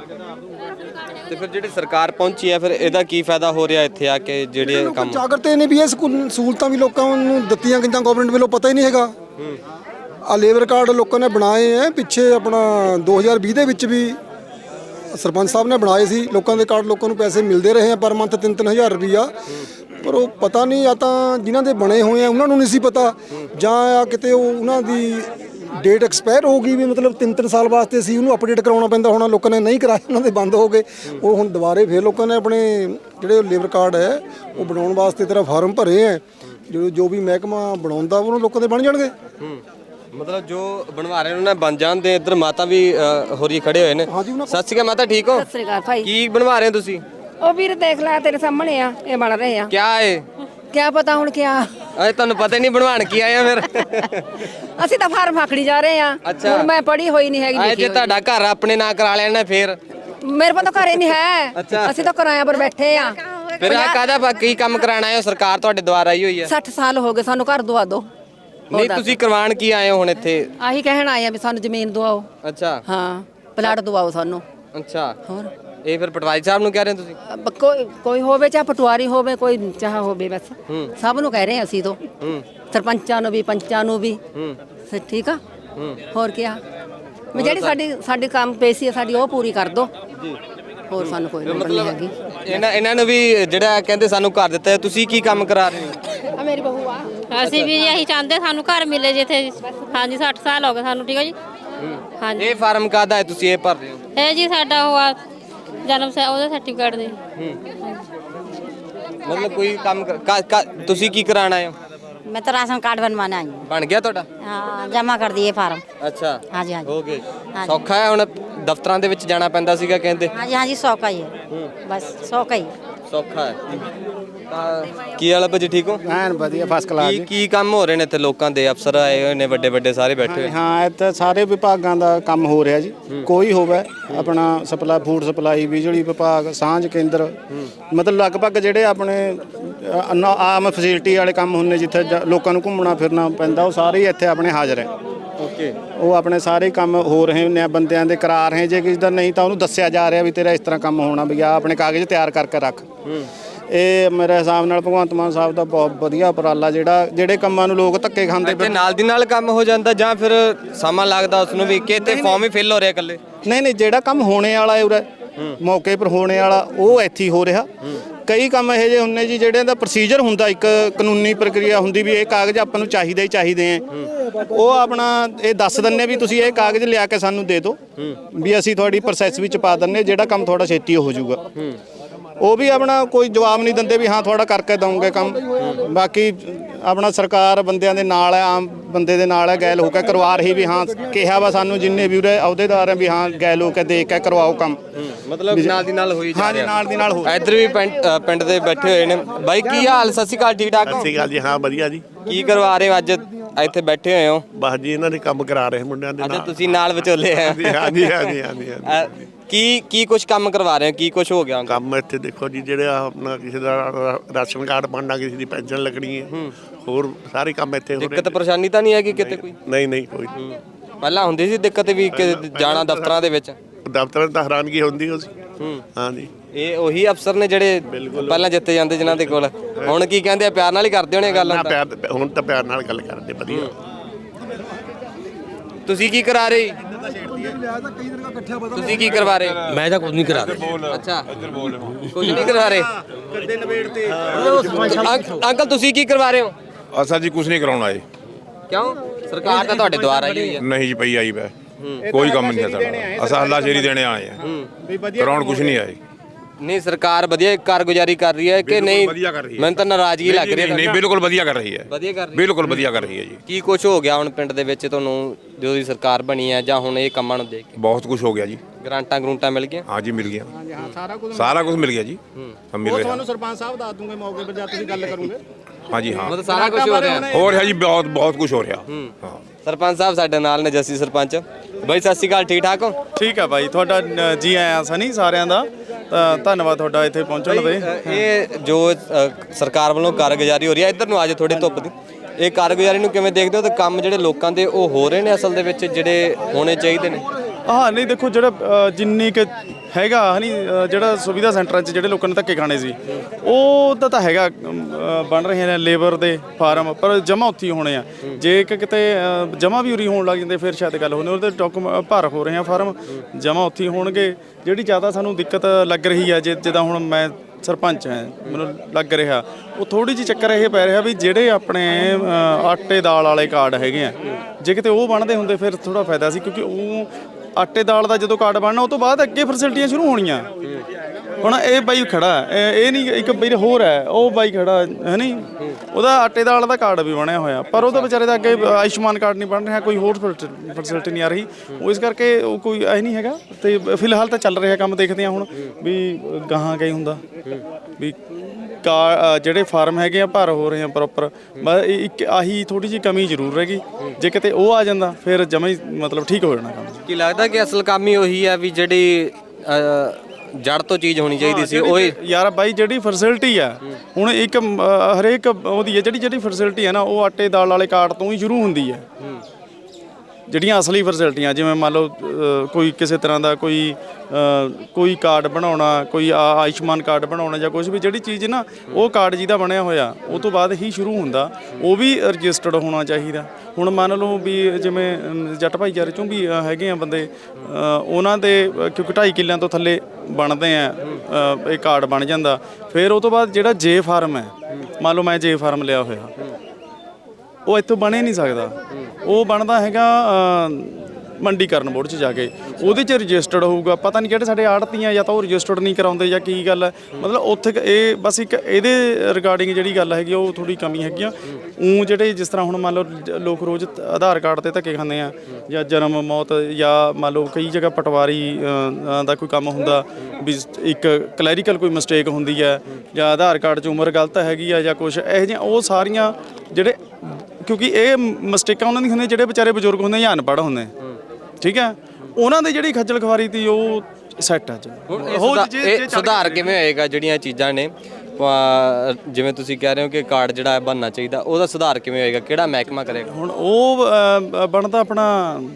S1: ਤੇ ਫਿਰ ਜਿਹੜੀ ਸਰਕਾਰ ਪਹੁੰਚੀ ਹੈ, ਫਿਰ ਇਹਦਾ ਕੀ ਫਾਇਦਾ ਹੋ ਰਿਹਾ ਇੱਥੇ ਆ ਕੇ ਜਿਹੜੇ ਕੰਮ?
S7: ਜਾਗਰਤੇ ਨੇ ਵੀ ਇਹ ਸਹੂਲਤਾਂ ਵੀ ਲੋਕਾਂ ਨੂੰ ਦਿੱਤੀਆਂ ਗਈਆਂ ਗਵਰਨਮੈਂਟ ਵੱਲੋਂ, ਪਤਾ ਹੀ ਨਹੀਂ ਹੈਗਾ। ਆ ਲੇਬਰ ਕਾਰਡ ਲੋਕਾਂ ਨੇ ਬਣਾਏ ਹੈ, ਪਿੱਛੇ ਆਪਣਾ 2020 ਦੇ ਵਿੱਚ ਵੀ ਸਰਪੰਚ ਸਾਹਿਬ ਨੇ ਬਣਾਏ ਸੀ, ਲੋਕਾਂ ਦੇ ਕਾਰਡ ਲੋਕਾਂ ਨੂੰ ਪੈਸੇ ਮਿਲਦੇ ਰਹੇ ਆ ਪਰ ਮੰਥ 3-3000 ਰੁਪਈਆ, ਪਰ ਉਹ ਪਤਾ ਨਹੀਂ ਆ ਤਾਂ ਜਿਨ੍ਹਾਂ ਦੇ ਬਣੇ ਹੋਏ ਆ ਉਹਨਾਂ ਨੂੰ ਨਹੀਂ ਸੀ ਪਤਾ, ਜਾਂ ਆ ਕਿਤੇ ਉਹਨਾਂ ਦੀ ਡੇਟ ਐਕਸਪਾਇਰ ਹੋ ਗਈ ਵੀ, ਮਤਲਬ 3-3 ਸਾਲ ਵਾਸਤੇ ਸੀ, ਉਹਨੂੰ ਅਪਡੇਟ ਕਰਾਉਣਾ ਪੈਂਦਾ ਹੋਣਾ, ਲੋਕਾਂ ਨੇ ਨਹੀਂ ਕਰਾਇਆ, ਉਹਨਾਂ ਦੇ ਬੰਦ ਹੋ ਗਏ। ਉਹ ਹੁਣ ਦੁਬਾਰੇ ਫਿਰ ਲੋਕਾਂ ਨੇ ਆਪਣੇ ਜਿਹੜੇ ਲੇਬਰ ਕਾਰਡ ਹੈ ਉਹ ਬਣਾਉਣ ਵਾਸਤੇ ਤੇਰਾ ਫਾਰਮ ਭਰੇ ਹੈ, ਜੋ ਵੀ ਮਹਿਕਮਾ ਬਣਾਉਂਦਾ ਉਹਨੂੰ ਲੋਕਾਂ ਦੇ ਬਣ ਜਾਣਗੇ।
S1: ਮਤਲਬ ਜੋ ਬਣਵਾ ਰਹੇ ਉਹਨਾਂ ਬਣ ਜਾਂਦੇ। ਇੱਧਰ ਮਾਤਾ ਵੀ ਹੋਰੀ ਖੜੇ ਹੋਏ ਨੇ। ਸਤਿ ਸ਼੍ਰੀ ਅਕਾਲ ਮਾਤਾ, ਠੀਕ ਹੋ?
S8: ਸਤਿ ਸ੍ਰੀ ਅਕਾਲ ਭਾਈ।
S1: ਕੀ ਬਣਵਾ ਰਹੇ ਹੋ ਤੁਸੀਂ?
S8: ਉਹ ਵੀਰ ਦੇਖ ਲੈ ਤੇਰੇ ਸਾਹਮਣੇ ਆ, ਇਹ ਬਣ ਰਹੇ ਆ।
S1: ਕਿਆ ਹੈ?
S8: ਕਿਆ ਪਤਾ ਹੁਣ ਕਿਆ,
S1: ਅਜੇ ਤੁਹਾਨੂੰ ਪਤਾ ਹੀ ਨਹੀਂ ਬਣਵਾਣ ਕੀ ਆਏ ਆ ਫਿਰ?
S8: ਅਸੀਂ ਤਾਂ ਫਾਰਮ ਫਾਕੜੀ ਜਾ ਰਹੇ ਆ।
S1: ਅੱਛਾ।
S8: ਹੁਣ ਮੈਂ ਪੜ੍ਹੀ ਹੋਈ ਨਹੀਂ ਹੈਗੀ,
S1: ਅਜੇ
S8: ਲਿਖੀ
S1: ਜੇ ਤੁਹਾਡਾ ਘਰ ਆਪਣੇ ਨਾਂ ਕਰਾ ਲਿਆ ਨਾ ਫਿਰ?
S8: ਮੇਰੇ ਕੋਲ ਤਾਂ ਘਰੇ ਨਹੀਂ ਹੈ।
S1: ਅੱਛਾ।
S8: ਅਸੀਂ ਤਾਂ ਕਿਰਾਇਆ ਪਰ ਬੈਠੇ ਆ।
S1: ਫਿਰ ਆ ਕਾਹਦਾ ਕੀ ਕੰਮ ਕਰਾਣਾ ਹੈ? ਸਰਕਾਰ ਤੁਹਾਡੇ ਦੁਆਰਾ ਆਈ ਹੋਈ ਹੈ।
S8: 60 ਸਾਲ ਹੋ ਗਏ ਸਾਨੂੰ, ਘਰ ਦਵਾ ਦਿਓ।
S1: ਨਹੀਂ ਤੁਸੀਂ ਕਰਵਾਣ ਕੀ ਆਏ ਹੋ ਹੁਣ ਇੱਥੇ?
S8: ਆਹੀ ਕਹਿਣ ਆਏ ਆ ਵੀ ਸਾਨੂੰ ਜ਼ਮੀਨ ਦਵਾਓ।
S1: ਅੱਛਾ
S8: ਹਾਂ, ਪਲਾਟ ਦਵਾਓ ਸਾਨੂੰ।
S1: ਅੱਛਾ,
S8: ਹੋਰ
S1: ਇਹ ਫਿਰ ਪਟਵਾਰੀ ਸਾਹਿਬ ਨੂੰ ਕਹਿ ਰਹੇ ਹੋ ਤੁਸੀਂ?
S8: ਕੋਈ ਹੋਵੇ, ਚਾਹੇ ਪਟਵਾਰੀ ਹੋਵੇ, ਕੋਈ ਚਾਹ ਹੋਵੇ, ਬਸ ਸਭ ਨੂੰ ਕਹਿ ਰਹੇ ਆ ਅਸੀਂ ਤੋਂ, ਸਰਪੰਚਾਂ ਨੂੰ ਵੀ, ਪੰਚਾਂ ਨੂੰ ਵੀ। ਠੀਕ ਆ। ਹੋਰ ਕਿਆ, ਜਿਹੜੀ ਸਾਡੀ ਕੰਮ ਪੇਸ਼ੀ ਹੈ ਸਾਡੀ ਉਹ ਪੂਰੀ ਕਰ ਦੋ। ਹੋਰ ਸਾਨੂੰ ਕੋਈ ਲੋੜ ਨਹੀਂ ਹੈਗੀ।
S1: ਇਹਨਾਂ ਨੂੰ ਵੀ ਜਿਹੜਾ ਕਹਿੰਦੇ ਸਾਨੂੰ ਘਰ ਦਿੱਤਾ ਹੈ, ਤੁਸੀਂ ਕੀ ਕੰਮ ਕਰਾ ਰਹੇ ਹੋ?
S8: ਆ ਮੇਰੀ ਬਹੂ ਆ।
S9: ਅਸੀਂ ਵੀ ਇਹੀ ਚਾਹੁੰਦੇ ਸਾਨੂੰ ਘਰ ਮਿਲੇ ਜਿੱਥੇ। ਹਾਂਜੀ 60 ਸਾਲ ਹੋ ਗਏ ਸਾਨੂੰ। ਠੀਕ ਹੈ ਜੀ। ਹਾਂਜੀ।
S1: ਇਹ ਫਾਰਮ ਕਾਹਦਾ ਹੈ ਤੁਸੀਂ ਇਹ ਭਰ ਰਹੇ ਹੋ?
S9: ਇਹ ਜੀ ਸਾਡਾ ਉਹ ਆ ਜਨਮ ਉਹਦਾ ਸਰਟੀਫਿਕੇਟ ਦੇ।
S1: ਮਤਲਬ ਕੋਈ ਕੰਮ ਤੁਸੀਂ ਕੀ ਕਰਾਣਾ ਹੈ?
S10: मैं तो राशन कार्ड बनवाना आई हूँ।
S1: ਬਣ ਗਿਆ ਤੁਹਾਡਾ?
S10: हाँ, जमा कर दिए फार्म।
S1: ਅੱਛਾ,
S10: हाँ जी, हाँ जी।
S1: ਹੋ ਗਏ।
S10: हाँ जी।
S1: ਸੌਖਾ ਹੈ ਹੁਣ? ਦਫ਼ਤਰਾਂ ਦੇ ਵਿੱਚ ਜਾਣਾ ਪੈਂਦਾ ਸੀਗਾ ਕਹਿੰਦੇ।
S10: हाँ जी, हाँ जी, 100 का ही है, बस 100 का ही।
S1: ਸੌਖਾ ਹੈ ਤਾਂ ਕੀ ਹਾਲ ਹੈ ਭਾਜੀ, ਠੀਕ ਹੋ?
S5: ਐਨ ਵਧੀਆ, ਫਸਟ ਕਲਾਸ ਜੀ।
S1: ਕੀ ਕੰਮ ਹੋ ਰਹੇ ਨੇ ਇੱਥੇ? ਲੋਕਾਂ ਦੇ ਅਫਸਰ ਆਏ ਹੋਏ ਨੇ, ਵੱਡੇ ਵੱਡੇ ਸਾਰੇ ਬੈਠੇ ਹੋਏ ਨੇ।
S5: ਹਾਂ, ਇੱਥੇ ਸਾਰੇ ਵਿਭਾਗਾਂ ਦਾ ਕੰਮ ਹੋ ਰਿਹਾ ਜੀ। ਕੋਈ ਹੋਵੇ ਆਪਣਾ ਫੂਡ ਸਪਲਾਈ, ਬਿਜਲੀ ਵਿਭਾਗ, ਸਾਂਝ ਕੇਂਦਰ, ਮਤਲਬ ਲਗਭਗ ਜਿਹੜੇ ਆਪਣੇ ਆਮ ਫੈਸਿਲਿਟੀ ਵਾਲੇ ਕੰਮ ਹੁੰਦੇ ਜਿੱਥੇ ਲੋਕਾਂ ਨੂੰ ਘੁੰਮਣਾ ਫਿਰਨਾ ਪੈਂਦਾ, ਉਹ ਸਾਰੇ ਹੀ ਇੱਥੇ ਆਪਣੇ ਹਾਜ਼ਰ ਹੈ।
S1: ਓਕੇ।
S5: ਉਹ ਆਪਣੇ ਸਾਰੇ ਕੰਮ ਹੋ ਰਹੇ ਨੇ, ਬੰਦਿਆਂ ਦੇ ਕਰਾ ਰਹੇ। ਜੇ ਕਿਸੇ ਦਾ ਨਹੀਂ ਤਾਂ ਉਹਨੂੰ ਦੱਸਿਆ ਜਾ ਰਿਹਾ ਵੀ ਤੇਰਾ ਇਸ ਤਰ੍ਹਾਂ ਕੰਮ ਹੋਣਾ, ਵੀ ਆ ਆਪਣੇ ਕਾਗਜ਼ ਤਿਆਰ ਕਰਕੇ ਰੱਖ। ਇਹ ਮੇਰੇ ਹਿਸਾਬ ਨਾਲ ਭਗਵੰਤ ਮਾਨ ਸਾਹਿਬ ਦਾ ਬਹੁਤ ਵਧੀਆ ਉਪਰਾਲਾ, ਜਿਹੜੇ ਕੰਮਾਂ ਨੂੰ ਲੋਕ ਧੱਕੇ ਖਾਂਦੇ
S1: ਤੇ ਨਾਲ ਦੀ ਨਾਲ ਕੰਮ ਹੋ ਜਾਂਦਾ ਜਾਂ ਫਿਰ ਸਮਾਂ ਲੱਗਦਾ ਉਸ ਨੂੰ ਵੀ ਕਿ ਤੇ ਫਾਰਮ ਹੀ ਫਿਲ ਹੋ ਰਿਹਾ ਇਕੱਲੇ?
S5: ਨਹੀਂ, ਜਿਹੜਾ ਕੰਮ ਹੋਣੇ ਵਾਲਾ ਹੈ ਉਰੇ ਮੌਕੇ ਪਰ ਹੋਣੇ ਵਾਲਾ, ਉਹ ਇੱਥੇ ਹੋ ਰਿਹਾ। ਕਈ ਕੰਮ ਇਹੋ ਜਿਹੇ ਹੁੰਦੇ ਜੀ ਜਿਹੜੇ ਦਾ ਪ੍ਰੋਸੀਜਰ ਹੁੰਦਾ, ਇੱਕ ਕਾਨੂੰਨੀ ਪ੍ਰਕਿਰਿਆ ਹੁੰਦੀ ਵੀ ਇਹ ਕਾਗਜ਼ ਆਪਾਂ ਨੂੰ ਚਾਹੀਦੇ ਹੀ ਚਾਹੀਦੇ ਆ। ਉਹ ਆਪਣਾ ਇਹ ਦੱਸ ਦਿੰਨੇ ਵੀ ਤੁਸੀਂ ਇਹ ਕਾਗਜ਼ ਲਿਆ ਕੇ ਸਾਨੂੰ ਦੇ ਦਿਓ, ਵੀ ਅਸੀਂ ਤੁਹਾਡੀ ਪ੍ਰੋਸੈਸ ਵਿੱਚ ਪਾ ਦਿੰਨੇ, ਜਿਹੜਾ ਕੰਮ ਥੋੜਾ ਛੇਤੀ ਹੋ ਜਾਊਗਾ। ਉਹ ਵੀ ਆਪਣਾ ਕੋਈ ਜਵਾਬ ਨਹੀਂ ਦਿੰਦੇ ਵੀ ਹਾਂ ਤੁਹਾਡਾ ਕਰਕੇ ਦਊਂਗੇ ਕੰਮ। ਬਾਕੀ ਆਪਣਾ ਸਰਕਾਰ ਬੰਦਿਆਂ ਦੇ ਨਾਲ ਹੈ, ਆਮ ਬੰਦੇ ਦੇ ਨਾਲ ਹੈ, ਗੈਲ ਹੋ ਕੇ ਕਰਵਾ ਰਹੀ ਵੀ ਹਾਂ, ਕਿਹਾ ਵਾ ਸਾਨੂੰ ਜਿੰਨੇ ਵੀ ਉਰੇ ਅਹੁਦੇਦਾਰ ਹੈ ਵੀ ਹਾਂ ਗੈਲ ਹੋ ਕੇ ਦੇਖ ਕੇ ਕਰਵਾਓ ਕੰਮ।
S1: ਮਤਲਬ ਨਾਲ ਦੀ ਨਾਲ ਹੋਈ ਜਾ ਰਿਹਾ।
S5: ਹਾਂਜੀ, ਨਾਲ ਦੀ ਨਾਲ ਹੋ।
S1: ਇੱਧਰ ਵੀ ਪਿੰਡ ਦੇ ਬੈਠੇ ਹੋਏ ਨੇ। ਬਾਈ ਕੀ ਹਾਲ? ਸਤਿ ਸ਼੍ਰੀ ਅਕਾਲ, ਠੀਕ ਠਾਕ ਹੋ?
S11: ਸਤਿ ਸ਼੍ਰੀ ਅਕਾਲ ਜੀ। ਹਾਂ ਵਧੀਆ ਜੀ।
S1: ਕੀ ਕਰਵਾ ਰਹੇ ਹੋ ਅੱਜ ਇੱਥੇ ਬੈਠੇ ਹੋਏ ਹੋ?
S11: ਬਸ ਜੀ ਇਹਨਾਂ ਨੇ ਕੰਮ ਕਰਾ ਰਹੇ ਮੁੰਡਿਆਂ ਦੇ
S1: ਅੱਛਾ,
S11: ਨਾਲ।
S1: ਤੁਸੀਂ ਨਾਲ ਵਿਚੋਲੇ ਆ?
S11: ਹਾਂਜੀ।
S1: ਕੀ ਕੁਝ ਕੰਮ ਕਰਵਾ ਰਹੇ ਹੋ? ਕੀ ਕੁਝ ਹੋ ਗਿਆ?
S11: ਕੰਮ ਇੱਥੇ ਦੇਖੋ ਜੀ, ਜਿਹੜੇ ਆਪਣਾ ਕਿਸੇ ਦਾ ਰਾਸ਼ਨ ਕਾਰਡ ਬਣਨਾ, ਕਿਸੇ ਦੀ ਪੈਨਸ਼ਨ ਲੱਗਣੀ ਹੈ, ਹੋਰ ਸਾਰੇ ਕੰਮ ਇੱਥੇ ਹੋ ਰਹੇ।
S1: ਦਿੱਕਤ ਪਰੇਸ਼ਾਨੀ ਤਾਂ ਨਹੀਂ ਹੈਗੀ ਕਿਤੇ ਕੋਈ?
S11: ਨਹੀਂ ਕੋਈ।
S1: ਪਹਿਲਾਂ ਹੁੰਦੀ ਸੀ ਦਿੱਕਤ ਵੀ ਕਿ ਜਾਣਾ ਦਫ਼ਤਰਾਂ ਦੇ ਵਿੱਚ?
S11: ਦਫ਼ਤਰਾਂ ਤਾਂ ਹੈਰਾਨਗੀ ਹੁੰਦੀ ਹੋ ਸੀ। ਹਾਂਜੀ।
S1: ਇਹ ਉਹੀ ਅਫਸਰ ਨੇ ਜਿਹੜੇ ਪਹਿਲਾਂ ਜਿੱਤੇ ਜਾਂਦੇ ਜਿਨ੍ਹਾਂ ਦੇ ਕੋਲ ਹੁਣ ਕੀ ਕਹਿੰਦੇ ਆ? ਪਿਆਰ ਨਾਲ ਹੀ ਕਰਦੇ ਹੋਣੇ ਗੱਲ?
S11: ਹੁਣ ਤਾਂ ਪਿਆਰ ਨਾਲ ਗੱਲ ਕਰਦੇ ਵਧੀਆ।
S1: ਤੁਸੀਂ ਕੀ ਕਰਾ ਰਹੇ? ਤੁਸੀਂ ਕੀ ਕਰਵਾ ਰਹੇ?
S12: ਮੈਂ ਤਾਂ ਕੁਝ ਨਹੀਂ ਕਰਾ ਰਿਹਾ।
S1: ਅੱਛਾ, ਕੁਝ ਨਹੀਂ ਕਰਵਾ ਰਹੇ। ਅੰਕਲ ਤੁਸੀਂ ਕੀ ਕਰਵਾ ਰਹੇ ਹੋ?
S13: ਅਸਾਂ ਜੀ ਕੁਝ ਨਹੀਂ ਕਰਾਉਣਾ ਏ।
S1: ਕਿਉਂ? ਸਰਕਾਰ ਤਾਂ ਤੁਹਾਡੇ ਦੁਆਰਾ ਆਈ ਹੋਈ ਹੈ।
S13: ਨਹੀਂ ਜੀ ਪਈ ਆਈ ਵੈ, ਕੋਈ ਕੰਮ ਨਹੀਂ ਹੈ ਸਾਡਾ। ਅਸਾਂ ਹੱਲਾਸ਼ੇਰੀ ਦੇਣੇ ਆਏ ਆ, ਕਰਾਉਣ ਕੁਝ ਨਹੀਂ ਆਏ।
S1: ਨਹੀਂ ਸਰਕਾਰ ਵਧੀਆ ਕਾਰਗੁਜ਼ਾਰੀ ਕਰ ਰਹੀ ਹੈ ਕਿ ਨਹੀਂ?
S13: ਵਧੀਆ ਕਰ ਰਹੀ ਹੈ।
S1: ਮੈਨੂੰ ਤਾਂ ਨਾਰਾਜ਼ਗੀ ਲੱਗ ਰਹੀ ਹੈ।
S13: ਨਹੀਂ ਬਿਲਕੁਲ ਵਧੀਆ ਕਰ ਰਹੀ ਹੈ।
S1: ਵਧੀਆ ਕਰ ਰਹੀ ਹੈ।
S13: ਬਿਲਕੁਲ ਵਧੀਆ ਕਰ ਰਹੀ ਹੈ ਜੀ।
S1: ਕੀ ਕੁਝ ਹੋ ਗਿਆ ਹੁਣ ਪਿੰਡ ਦੇ ਵਿੱਚ ਤੁਹਾਨੂੰ ਜਦੋਂ ਦੀ ਸਰਕਾਰ ਬਣੀ ਹੈ ਜਾਂ ਹੁਣ ਇਹ ਕੰਮਾਂ ਨੂੰ ਦੇਖ ਕੇ?
S13: ਬਹੁਤ ਕੁਝ ਹੋ ਗਿਆ ਜੀ।
S1: ਗਰਾਂਟਾਂ ਮਿਲ ਗਈਆਂ?
S13: ਹਾਂ ਜੀ ਮਿਲ ਗਿਆ। ਸਾਰਾ ਕੁਝ ਮਿਲ ਗਿਆ ਜੀ। ਹਾਂ ਮਿਲ ਰਿਹਾ।
S4: ਸਰਪੰਚ ਸਾਹਿਬ ਦੱਸ ਦੂੰਗੇ ਮੌਕੇ 'ਤੇ ਜਦ ਤੁਸੀਂ ਗੱਲ ਕਰੋਗੇ।
S13: ਹਾਂ ਜੀ ਹਾਂ
S1: ਮਤਲਬ ਸਾਰਾ ਕੁਝ ਹੋ ਰਿਹਾ
S13: ਹੋ ਰਿਹਾ ਜੀ। ਬਹੁਤ ਕੁਝ ਹੋ ਰਿਹਾ। ਹਾਂ
S1: ਸਰਪੰਚ ਸਾਹਿਬ ਸਾਡੇ ਨਾਲ ਨੇ, ਜੱਸੀ ਸਰਪੰਚ ਬਾਈ। ਸਤਿ ਸ਼੍ਰੀ ਅਕਾਲ, ਠੀਕ ਠਾਕ ਹੋ?
S4: ਠੀਕ ਆ ਬਾਈ, ਤੁਹਾਡਾ ਜੀ ਆਇਆਂ ਸਨੀ ਸਾਰਿਆਂ ਦਾ। ਤਾਂ ਧੰਨਵਾਦ ਤੁਹਾਡਾ ਇੱਥੇ ਪਹੁੰਚਣ ਦੇ।
S1: ਇਹ ਜੋ ਸਰਕਾਰ ਵੱਲੋਂ ਕਾਰਗੁਜ਼ਾਰੀ ਹੋ ਰਹੀ ਹੈ, ਇੱਧਰ ਨੂੰ ਆ ਜਾਓ ਥੋੜੀ ਧੁੱਪ ਦੀ, ਇਹ ਕਾਰਗੁਜ਼ਾਰੀ ਨੂੰ ਕਿਵੇਂ ਦੇਖਦੇ ਹੋ ਤੇ ਕੰਮ ਜਿਹੜੇ ਲੋਕਾਂ ਦੇ ਉਹ ਹੋ ਰਹੇ ਨੇ ਅਸਲ ਦੇ ਵਿੱਚ ਜਿਹੜੇ ਹੋਣੇ ਚਾਹੀਦੇ ਨੇ?
S4: ਹਾਂ ਨਹੀਂ ਦੇਖੋ, ਜਿਹੜਾ ਜਿੰਨੀ ਕਿ ਹੈਗਾ ਹਨੀ ਜਿਹੜਾ ਸੁਵਿਧਾ ਸੈਂਟਰਾਂ 'ਚ ਜਿਹੜੇ ਲੋਕਾਂ ਨੇ ਧੱਕੇ ਖਾਣੇ ਸੀ ਉਹ ਤਾਂ ਹੈਗਾ, ਬਣ ਰਹੇ ਨੇ ਲੇਬਰ ਦੇ ਫਾਰਮ, ਪਰ ਜਮ੍ਹਾਂ ਉੱਥੇ ਹੀ ਹੋਣੇ ਆ। ਜੇ ਕਿਤੇ ਜਮ੍ਹਾਂ ਵੀ ਉਰੀ ਹੋਣ ਲੱਗ ਜਾਂਦੇ ਫਿਰ ਸ਼ਾਇਦ ਗੱਲ ਹੋਣੀ। ਉਹਦੇ ਡਾਕੂਮੈਂਟ ਭਰ ਹੋ ਰਹੇ ਆ ਫਾਰਮ, ਜਮ੍ਹਾਂ ਉੱਥੇ ਹੀ ਹੋਣਗੇ। ਜਿਹੜੀ ਜ਼ਿਆਦਾ ਸਾਨੂੰ ਦਿੱਕਤ ਲੱਗ ਰਹੀ ਆ ਜਿੱਦਾਂ ਹੁਣ ਮੈਂ ਸਰਪੰਚ ਹੈ, ਮੈਨੂੰ ਲੱਗ ਰਿਹਾ ਉਹ ਥੋੜੀ ਜਿਹੀ ਚੱਕਰ ਇਹ ਪੈ ਰਿਹਾ ਵੀ ਜਿਹੜੇ ਆਪਣੇ ਆਟੇ ਦਾਲ ਵਾਲੇ ਕਾਰਡ ਹੈਗੇ ਆ, ਜੇ ਕਿਤੇ ਉਹ ਬਣਦੇ ਹੁੰਦੇ ਫਿਰ ਥੋੜਾ ਫਾਇਦਾ ਸੀ, ਕਿਉਂਕਿ ਉਹ ਆਟੇ ਦਾਲ ਦਾ ਜਦੋਂ ਕਾਰਡ ਬਣਨਾ ਉਹ ਤੋਂ ਬਾਅਦ ਅੱਗੇ ਫੈਸਿਲਿਟੀਆਂ ਸ਼ੁਰੂ ਹੋਣੀਆਂ। ਹੁਣ ਇਹ ਬਾਈ ਖੜਾ ਇਹ ਨਹੀਂ, ਇੱਕ ਬਾਈ ਹੋਰ ਹੈ ਉਹ ਬਾਈ ਖੜਾ ਹੈ ਨਹੀਂ, ਉਹਦਾ ਆਟੇ ਦਾਲ ਦਾ ਕਾਰਡ ਵੀ ਬਣਿਆ ਹੋਇਆ, ਪਰ ਉਹਦਾ ਵਿਚਾਰੇ ਦਾ ਅੱਗੇ ਆਯੁਸ਼ਮਾਨ ਕਾਰਡ ਨਹੀਂ ਬਣ ਰਿਹਾ, ਕੋਈ ਹੋਰ ਫੈਸਿਲਿਟੀ ਨਹੀਂ ਆ ਰਹੀ। ਉਹ ਇਸ ਕਰਕੇ ਉਹ ਕੋਈ ਇਹ ਨਹੀਂ ਹੈਗਾ। ਤੇ ਫਿਲਹਾਲ ਤਾਂ ਚੱਲ ਰਿਹਾ ਕੰਮ, ਦੇਖਦੇ ਹਾਂ ਹੁਣ ਵੀ ਗਾਹਾਂ ਗਈ ਹੁੰਦਾ ਵੀ ਜਿਹੜੇ ਫਾਰਮ ਹੈਗੇ ਆ ਭਰ ਹੋ ਰਹੇ ਆ ਪ੍ਰੋਪਰ। ਬਸ ਇੱਕ ਆਹੀ ਥੋੜੀ ਜਿਹੀ ਕਮੀ ਜ਼ਰੂਰ ਹੈਗੀ, ਜੇ ਕਿਤੇ ਉਹ ਆ ਜਾਂਦਾ ਫਿਰ ਜਮਾਂ ਹੀ ਮਤਲਬ ਠੀਕ ਹੋ ਜਾਣਾ ਕੰਮ।
S1: ਕੀ ਲੱਗਦਾ ਕਿ ਅਸਲ ਕੰਮ ਹੀ ਉਹੀ ਹੈ ਵੀ ਜਿਹੜੀ ਜੜ ਤੋਂ ਚੀਜ਼ ਹੋਣੀ ਚਾਹੀਦੀ ਸੀ ਉਹ?
S4: ਯਾਰ ਬਾਈ ਜਿਹੜੀ ਫੈਸਿਲਿਟੀ ਆ ਹੁਣ ਇੱਕ ਹਰੇਕ ਉਹਦੀ ਹੈ, ਜਿਹੜੀ ਫੈਸਿਲਿਟੀ ਹੈ ਨਾ ਉਹ ਆਟੇ ਦਾਲ ਵਾਲੇ ਕਾਰਡ ਤੋਂ ਹੀ ਸ਼ੁਰੂ ਹੁੰਦੀ ਹੈ। ਜਿਹੜੀਆਂ ਅਸਲੀ ਫੈਸਿਲਿਟੀਆਂ, ਜਿਵੇਂ ਮੰਨ ਲਓ ਕੋਈ ਕਿਸੇ ਤਰ੍ਹਾਂ ਦਾ ਕੋਈ ਕਾਰਡ ਬਣਾਉਣਾ, ਕੋਈ ਆਯੁਸ਼ਮਾਨ ਕਾਰਡ ਬਣਾਉਣਾ ਜਾਂ ਕੁਝ ਵੀ, ਜਿਹੜੀ ਚੀਜ਼ ਨਾ ਉਹ ਕਾਰਡ ਜਿਹਦਾ ਬਣਿਆ ਹੋਇਆ ਉਹ ਤੋਂ ਬਾਅਦ ਹੀ ਸ਼ੁਰੂ ਹੁੰਦਾ, ਉਹ ਵੀ ਰਜਿਸਟਰਡ ਹੋਣਾ ਚਾਹੀਦਾ। ਹੁਣ ਮੰਨ ਲਓ ਵੀ ਜਿਵੇਂ ਜੱਟ ਭਾਈਚਾਰੇ ਚੋਂ ਵੀ ਹੈਗੇ ਆ ਬੰਦੇ, ਉਹਨਾਂ ਦੇ ਕਿਉਂਕਿ 2.5 ਕਿੱਲਿਆਂ ਤੋਂ ਥੱਲੇ ਬਣਦੇ ਆ, ਇਹ ਕਾਰਡ ਬਣ ਜਾਂਦਾ। ਫਿਰ ਉਹ ਤੋਂ ਬਾਅਦ ਜਿਹੜਾ ਜੇ ਫਾਰਮ ਹੈ, ਮੰਨ ਲਓ ਮੈਂ ਜੇ ਫਾਰਮ ਲਿਆ ਹੋਇਆ, ਉਹ ਇੱਥੋਂ ਬਣ ਹੀ ਨਹੀਂ ਸਕਦਾ। ਉਹ ਬਣਦਾ ਹੈਗਾ ਮੰਡੀਕਰਨ ਬੋਰਡ 'ਚ ਜਾ ਕੇ, ਉਹਦੇ 'ਚ ਰਜਿਸਟਰਡ ਹੋਊਗਾ। ਪਤਾ ਨਹੀਂ ਕਿਹੜੇ ਸਾਡੇ ਆੜਤੀਆਂ ਜਾਂ ਤਾਂ ਉਹ ਰਜਿਸਟਰਡ ਨਹੀਂ ਕਰਾਉਂਦੇ ਜਾਂ ਕੀ ਗੱਲ ਹੈ, ਮਤਲਬ ਉੱਥੇ ਇਹ ਬਸ ਇੱਕ ਇਹਦੇ ਰਿਗਾਰਡਿੰਗ ਜਿਹੜੀ ਗੱਲ ਹੈਗੀ ਉਹ ਥੋੜੀ ਕਮੀ ਹੈਗੀ ਆ। ਜਿਹੜੇ ਜਿਸ ਤਰ੍ਹਾਂ ਹੁਣ ਮੰਨ ਲਓ ਲੋਕ ਰੋਜ਼ ਆਧਾਰ ਕਾਰਡ 'ਤੇ ਧੱਕੇ ਖਾਂਦੇ ਆ, ਜਾਂ ਜਨਮ ਮੌਤ, ਜਾਂ ਮੰਨ ਲਓ ਕਈ ਜਗ੍ਹਾ ਪਟਵਾਰੀ ਦਾ ਕੋਈ ਕੰਮ ਹੁੰਦਾ ਵੀ ਇੱਕ ਕਲੈਰੀਕਲ ਕੋਈ ਮਿਸਟੇਕ ਹੁੰਦੀ ਹੈ, ਜਾਂ ਆਧਾਰ ਕਾਰਡ 'ਚ ਉਮਰ ਗਲਤ ਹੈਗੀ ਆ ਜਾਂ ਕੁਛ ਇਹੋ ਜਿਹੀਆਂ, ਉਹ ਸਾਰੀਆਂ ਜਿਹੜੇ ਕਿਉਂਕਿ ਇਹ ਮਿਸਟੇਕਾਂ ਉਹਨਾਂ ਦੀ ਹੁੰਦੀਆਂ ਜਿਹੜੇ ਵਿਚਾਰੇ ਬਜ਼ੁਰਗ ਹੁੰਦੇ ਜਾਂ ਅਨਪੜ੍ਹ ਹੁੰਦੇ, ਠੀਕ ਹੈ, ਉਹਨਾਂ ਦੀ ਜਿਹੜੀ ਖੱਜਲ ਖਵਾਰੀ ਤੀ ਉਹ ਸੈੱਟ ਆ।
S1: ਇਹ ਸੁਧਾਰ ਕਿਵੇਂ ਹੋਏਗਾ ਜਿਹੜੀਆਂ ਚੀਜ਼ਾਂ ਨੇ, ਜਿਵੇਂ ਤੁਸੀਂ ਕਹਿ ਰਹੇ ਹੋ ਕਿ ਕਾਰਡ ਜਿਹੜਾ ਬਣਨਾ ਚਾਹੀਦਾ, ਉਹਦਾ ਸੁਧਾਰ ਕਿਵੇਂ ਹੋਏਗਾ? ਕਿਹੜਾ ਮਹਿਕਮਾ ਕਰੇਗਾ? ਹੁਣ
S4: ਉਹ ਬਣਦਾ ਆਪਣਾ